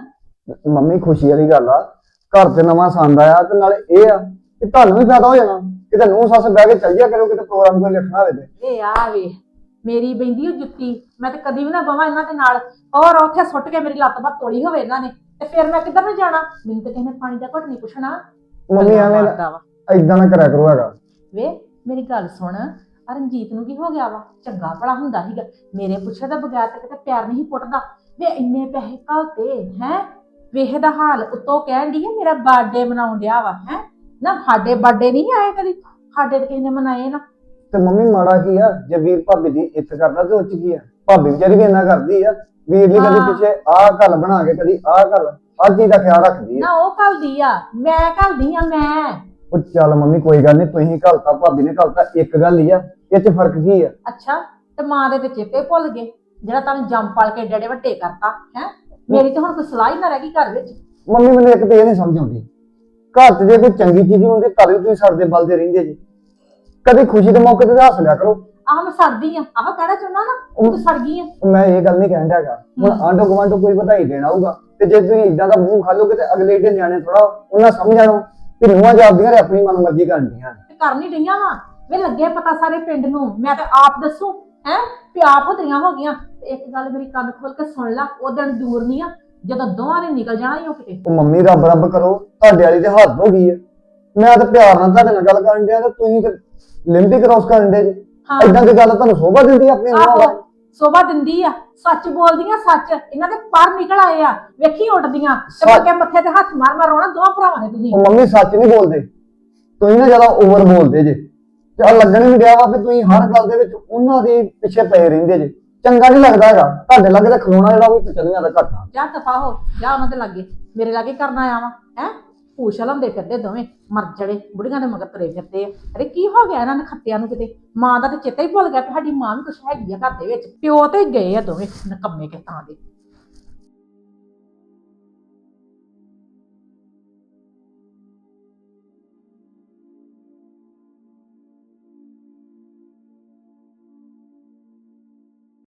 Speaker 2: ਹੁਣ।
Speaker 5: ਮੰਮੀ ਖੁਸ਼ੀ ਵਾਲੀ ਗੱਲ ਆ, ਘਰ 'ਚ ਨਵਾਂ ਸੰਦ ਆਇਆ ਤੇ ਨਾਲੇ ਇਹ ਆ ਕਿ ਤੁਹਾਨੂੰ ਵੀ ਫਾਇਦਾ ਹੋ ਜਾਣਾ। ਕਿਤੇ ਨੂੰਹ ਸੱਸ ਬਹਿ ਕੇ ਚੱਲ ਜਿਆ ਕਰੋ, ਕਿਤੇ ਪ੍ਰੋਗਰਾਮ ਕੋਈ ਰੱਖਣਾ ਹੋਵੇ ਤੇ।
Speaker 2: ਵੇ ਆ ਵੇ ਮੇਰੀ ਬੈਂਦੀ ਉਹ ਜੁੱਤੀ, ਮੈਂ ਤਾਂ ਕਦੀ ਵੀ ਨਾ ਬਵਾਂ ਇਹਨਾਂ ਦੇ ਨਾਲ। ਔਰ ਉੱਥੇ ਸੁੱਟ ਕੇ ਮੇਰੀ ਲੱਤ ਬਾਤ ਤੋੜੀ ਹੋਵੇ ਇਹਨਾਂ ਨੇ, ਤੇ ਫਿਰ ਮੈਂ ਕਿੱਧਰ ਨੂੰ ਜਾਣਾ? ਮੈਨੂੰ ਤਾਂ ਕਿਸੇ ਨੇ ਪਾਣੀ ਦਾ ਘੁੱਟ ਨਹੀਂ ਪੁੱਛਣਾ।
Speaker 5: ਮੰਮੀ ਐਵੇਂ
Speaker 2: ਮਾਰਦਾ ਵਾ।
Speaker 5: ਏਦਾਂ ਨਾ ਕਰਿਆ ਕਰੋ ਹੈਗਾ।
Speaker 2: ਵੇ ਮੇਰੀ ਗੱਲ ਸੁਣ, ਆਹ ਰਣਜੀਤ ਨੂੰ ਕੀ ਹੋ ਗਿਆ ਵਾ? ਚੰਗਾ ਭਲਾ ਹੁੰਦਾ ਸੀਗਾ, ਮੇਰੇ ਪੁੱਛੇ ਦਾ ਬਗੈਰ ਤੇ ਕਿਤੇ ਪੈਰ ਨਹੀਂ ਪੁੱਟਦਾ। ਵੇ ਇੰਨੇ ਪੈਸੇ ਘਲਤੇ ਹੈ, ਵੇਖ ਦਾ ਹਾਲ। ਉੱਤੋਂ ਕਹਿਣ ਦੀ ਹੈ ਮੇਰਾ ਬਰਥਡੇ ਮਨਾਉਣ ਡਿਆ ਵਾ ਹੈ ਨਾ। ਸਾਡੇ ਬਰਥਡੇ ਨਹੀਂ ਆਏ ਕਦੀ, ਸਾਡੇ ਤੇ ਕਿਸੇ ਨੇ ਮਨਾਏ ਨਾ।
Speaker 5: ਤੇ ਮੰਮੀ ਮਾੜਾ ਕੀ ਆ, ਜੇ ਵੀਰ ਭਾਬੀ ਦੀ ਇੱਜ਼ਤ ਕਰਦਾ ਤੇ ਉਹ 'ਚ ਕੀ ਆ? ਭਾਬੀ ਵਿਚਾਰੀ ਵੀ ਇੰਨਾ ਕਰਦੀ ਆ, ਵੀਰ ਨੇ ਕਦੀ ਪਿੱਛੇ ਆਹ ਗੱਲ ਬਣਾ ਕੇ, ਕਦੀ ਆਹ ਗੱਲ, ਹਰ ਚੀਜ਼ ਦਾ ਖਿਆਲ ਰੱਖਦੀ ਆ।
Speaker 2: ਨਾ ਉਹ ਘਲਦੀ ਆ, ਮੈਂ ਘਲਦੀ ਆ ਮੈਂ।
Speaker 5: ਉਹ ਚੱਲ ਮੰਮੀ ਕੋਈ ਗੱਲ ਨਹੀਂ, ਤੁਸੀਂ ਘਲਤਾ ਭਾਬੀ ਨੇ ਘਲਤਾ, ਇੱਕ ਗੱਲ ਹੀ ਆ, ਇਹ 'ਚ ਫਰਕ ਕੀ ਆ?
Speaker 2: ਅੱਛਾ, ਤੇ ਮਾਂ ਦੇ ਤੇ ਚੇਤੇ ਭੁੱਲ ਗਏ ਜਿਹੜਾ ਤੁਹਾਨੂੰ ਜੰਮ ਪਾਲ ਕੇ ਏਡੇ ਵੱਡੇ ਕਰਤਾ ਹੈ। ਮੇਰੀ ਤਾਂ ਹੁਣ ਕੋਈ ਸਲਾਹ ਹੀ ਨਾ ਰਹਿ ਗਈ ਘਰ ਵਿੱਚ।
Speaker 5: ਮੰਮੀ ਮੈਨੂੰ ਇੱਕ ਤੇ ਇਹ ਨਹੀਂ ਸਮਝ ਆਉਂਦੀ, ਘਰ 'ਚ ਜੇ ਕੋਈ ਚੰਗੀ ਚੀਜ਼ ਹੁੰਦੀ ਤਾਂ ਵੀ ਤੁਸੀਂ ਸੜਦੇ ਬਲਦੇ ਰਹਿੰਦੇ ਜੀ। ਕਦੇ ਖੁਸ਼ੀ ਦੇ ਮੌਕੇ ਤੇ ਹੱਸ ਲਿਆ ਕਰੋ।
Speaker 2: ਆਹ ਮੈਂ ਸੜਦੀ ਆ, ਆਹ ਕਹਿਣਾ ਚਾਹੁੰਦਾ ਨਾ ਤੂੰ ਸੜ ਗਈ ਆ।
Speaker 5: ਮੈਂ ਇਹ ਗੱਲ ਨਹੀਂ ਕਹਿੰਦਾ ਹੈਗਾ, ਹੁਣ ਆਂਢੋ ਗੁਆਂਢੋਂ ਕੋਈ ਵਧਾਈ ਦੇਣਾ ਹੋਊਗਾ ਤੇ ਜੇ ਤੁਸੀਂ ਇਦਾਂ ਦਾ ਮੂੰਹ ਖਾ ਲੋਗੇ ਤੇ ਅਗਲੇ ਦਿਨ ਨਿਆਣੇ ਥੋੜਾ ਉਹਨਾਂ ਸਮਝ ਜਾਣੋ ਕਿ ਨੂੰਹਾਂ ਜਾਂਦੀਆਂ ਨੇ ਆਪਣੀ ਮਨਮਰਜ਼ੀ ਕਰਦੀਆਂ।
Speaker 2: ਤੇ ਕਰ ਨਹੀਂ ਰਹੀਆਂ ਵਾ ਵੇ, ਲੱਗੇ ਪਤਾ ਸਾਰੇ ਪਿੰਡ ਨੂੰ। ਮੈਂ ਤਾਂ ਆਪ ਦੱਸੂ ਹੈ ਵੀ ਆਪ ਹੁੰਦੀਆਂ ਹੋ ਗਈਆਂ। ਤੇ ਇੱਕ ਗੱਲ ਮੇਰੀ ਕੰਨ ਖੋਲ ਕੇ ਸੁਣ ਲੈ, ਉਹ ਦਿਨ ਦੂਰ ਨਹੀਂ ਆ ਜਦੋਂ ਦੋਵਾਂ ਨੇ ਨਿਕਲ ਜਾਣਾ ਹੀ ਉਹ ਕਿਤੇ।
Speaker 5: ਉਹ ਮੰਮੀ ਰੱਬ ਰੱਬ ਕਰੋ, ਤੁਹਾਡੇ ਵਾਲੀ ਤੇ ਹੱਦ ਹੋ ਗਈ ਹੈ। ਮੈਂ ਤਾਂ ਪਿਆਰ ਨਾਲ ਤੁਹਾਡੇ ਨਾਲ ਗੱਲ ਕਰਨ ਡਿਆ ਤੇ ਤੁਸੀਂ ਤੇ ਲਿਮਟ ਹੀ ਕ੍ਰੋਸ ਕਰਨ ਦੇ ਜੀ। ਇਦਾਂ ਦੀ ਗੱਲ ਤੁਹਾਨੂੰ ਸੋਭਾ ਦਿੰਦੀ ਆਪਣੀ ਨੂੰਹਾਂ ਦਾ?
Speaker 2: ਸੋਭਾ ਦਿੰਦੀ ਆ, ਸੱਚ ਬੋਲਦੀਆਂ ਸੱਚ। ਇਹਨਾਂ ਦੇ ਪਰ ਨਿਕਲ ਆਏ ਆ, ਵੇਖੀ ਉੱਡਦੀਆਂ ਤੇ ਬੱਕੇ ਮੱਥੇ ਤੇ ਹੱਥ ਮਾਰ ਮਾਰ ਰੋਣਾ ਦੋਵਾਂ ਭਰਾਵਾਂ ਨੇ ਤੁਸੀਂ।
Speaker 5: ਉਹ ਮੰਮੀ ਸੱਚ ਨਹੀਂ ਬੋਲਦੇ, ਤੁਸੀਂ ਨਾ ਜ਼ਿਆਦਾ ਓਵਰ ਬੋਲਦੇ ਜੇ। ਤੇ ਆ ਲੱਗਣ ਵੀ ਡਿਆ ਵਾ ਕਿ ਤੁਸੀਂ ਹਰ ਗੱਲ ਦੇ ਵਿੱਚ ਉਹਨਾਂ ਦੇ ਪਿੱਛੇ ਪਏ ਰਹਿੰਦੇ ਜੇ। ਚੰਗਾ ਨਹੀਂ ਲੱਗਦਾ ਹੈਗਾ। ਤੁਹਾਡੇ ਲਾਗੇ ਤਾਂ ਖਲੋਣਾ ਜਿਹੜਾ ਉਹ ਵੀ ਪਚਲੀਆਂ ਦਾ ਘੱਟਾ।
Speaker 2: ਜਾ ਦਫਾ ਹੋ ਜਾ ਉਹਨਾਂ ਦੇ ਲਾਗੇ, ਮੇਰੇ ਲਾਗੇ ਕਰਨਾ ਆਵਾ ਹੈ। ਪੂਛ ਲੰਦੇ ਫਿਰਦੇ ਦੋਵੇਂ ਮਰ ਜੜੇ, ਬੁੜੀਆਂ ਦੇ ਮਗਰ ਤੁਰੇ ਫਿਰਦੇ ਆ। ਅਰੇ ਕੀ ਹੋ ਗਿਆ ਇਹਨਾਂ ਨੇ ਖੱਤਿਆਂ ਨੂੰ? ਕਿਤੇ ਮਾਂ ਦਾ ਤੇ ਚੇਤਾ ਹੀ ਭੁੱਲ ਗਿਆ ਕਿ ਸਾਡੀ ਮਾਂ ਵੀ ਕੁਛ ਹੈਗੀ ਆ ਘਰ ਦੇ ਵਿੱਚ। ਪਿਓ ਤੇ ਗਏ ਆ ਦੋਵੇਂ ਨਕੰਮੇ ਕੇ ਤਾਂ ਦੇ।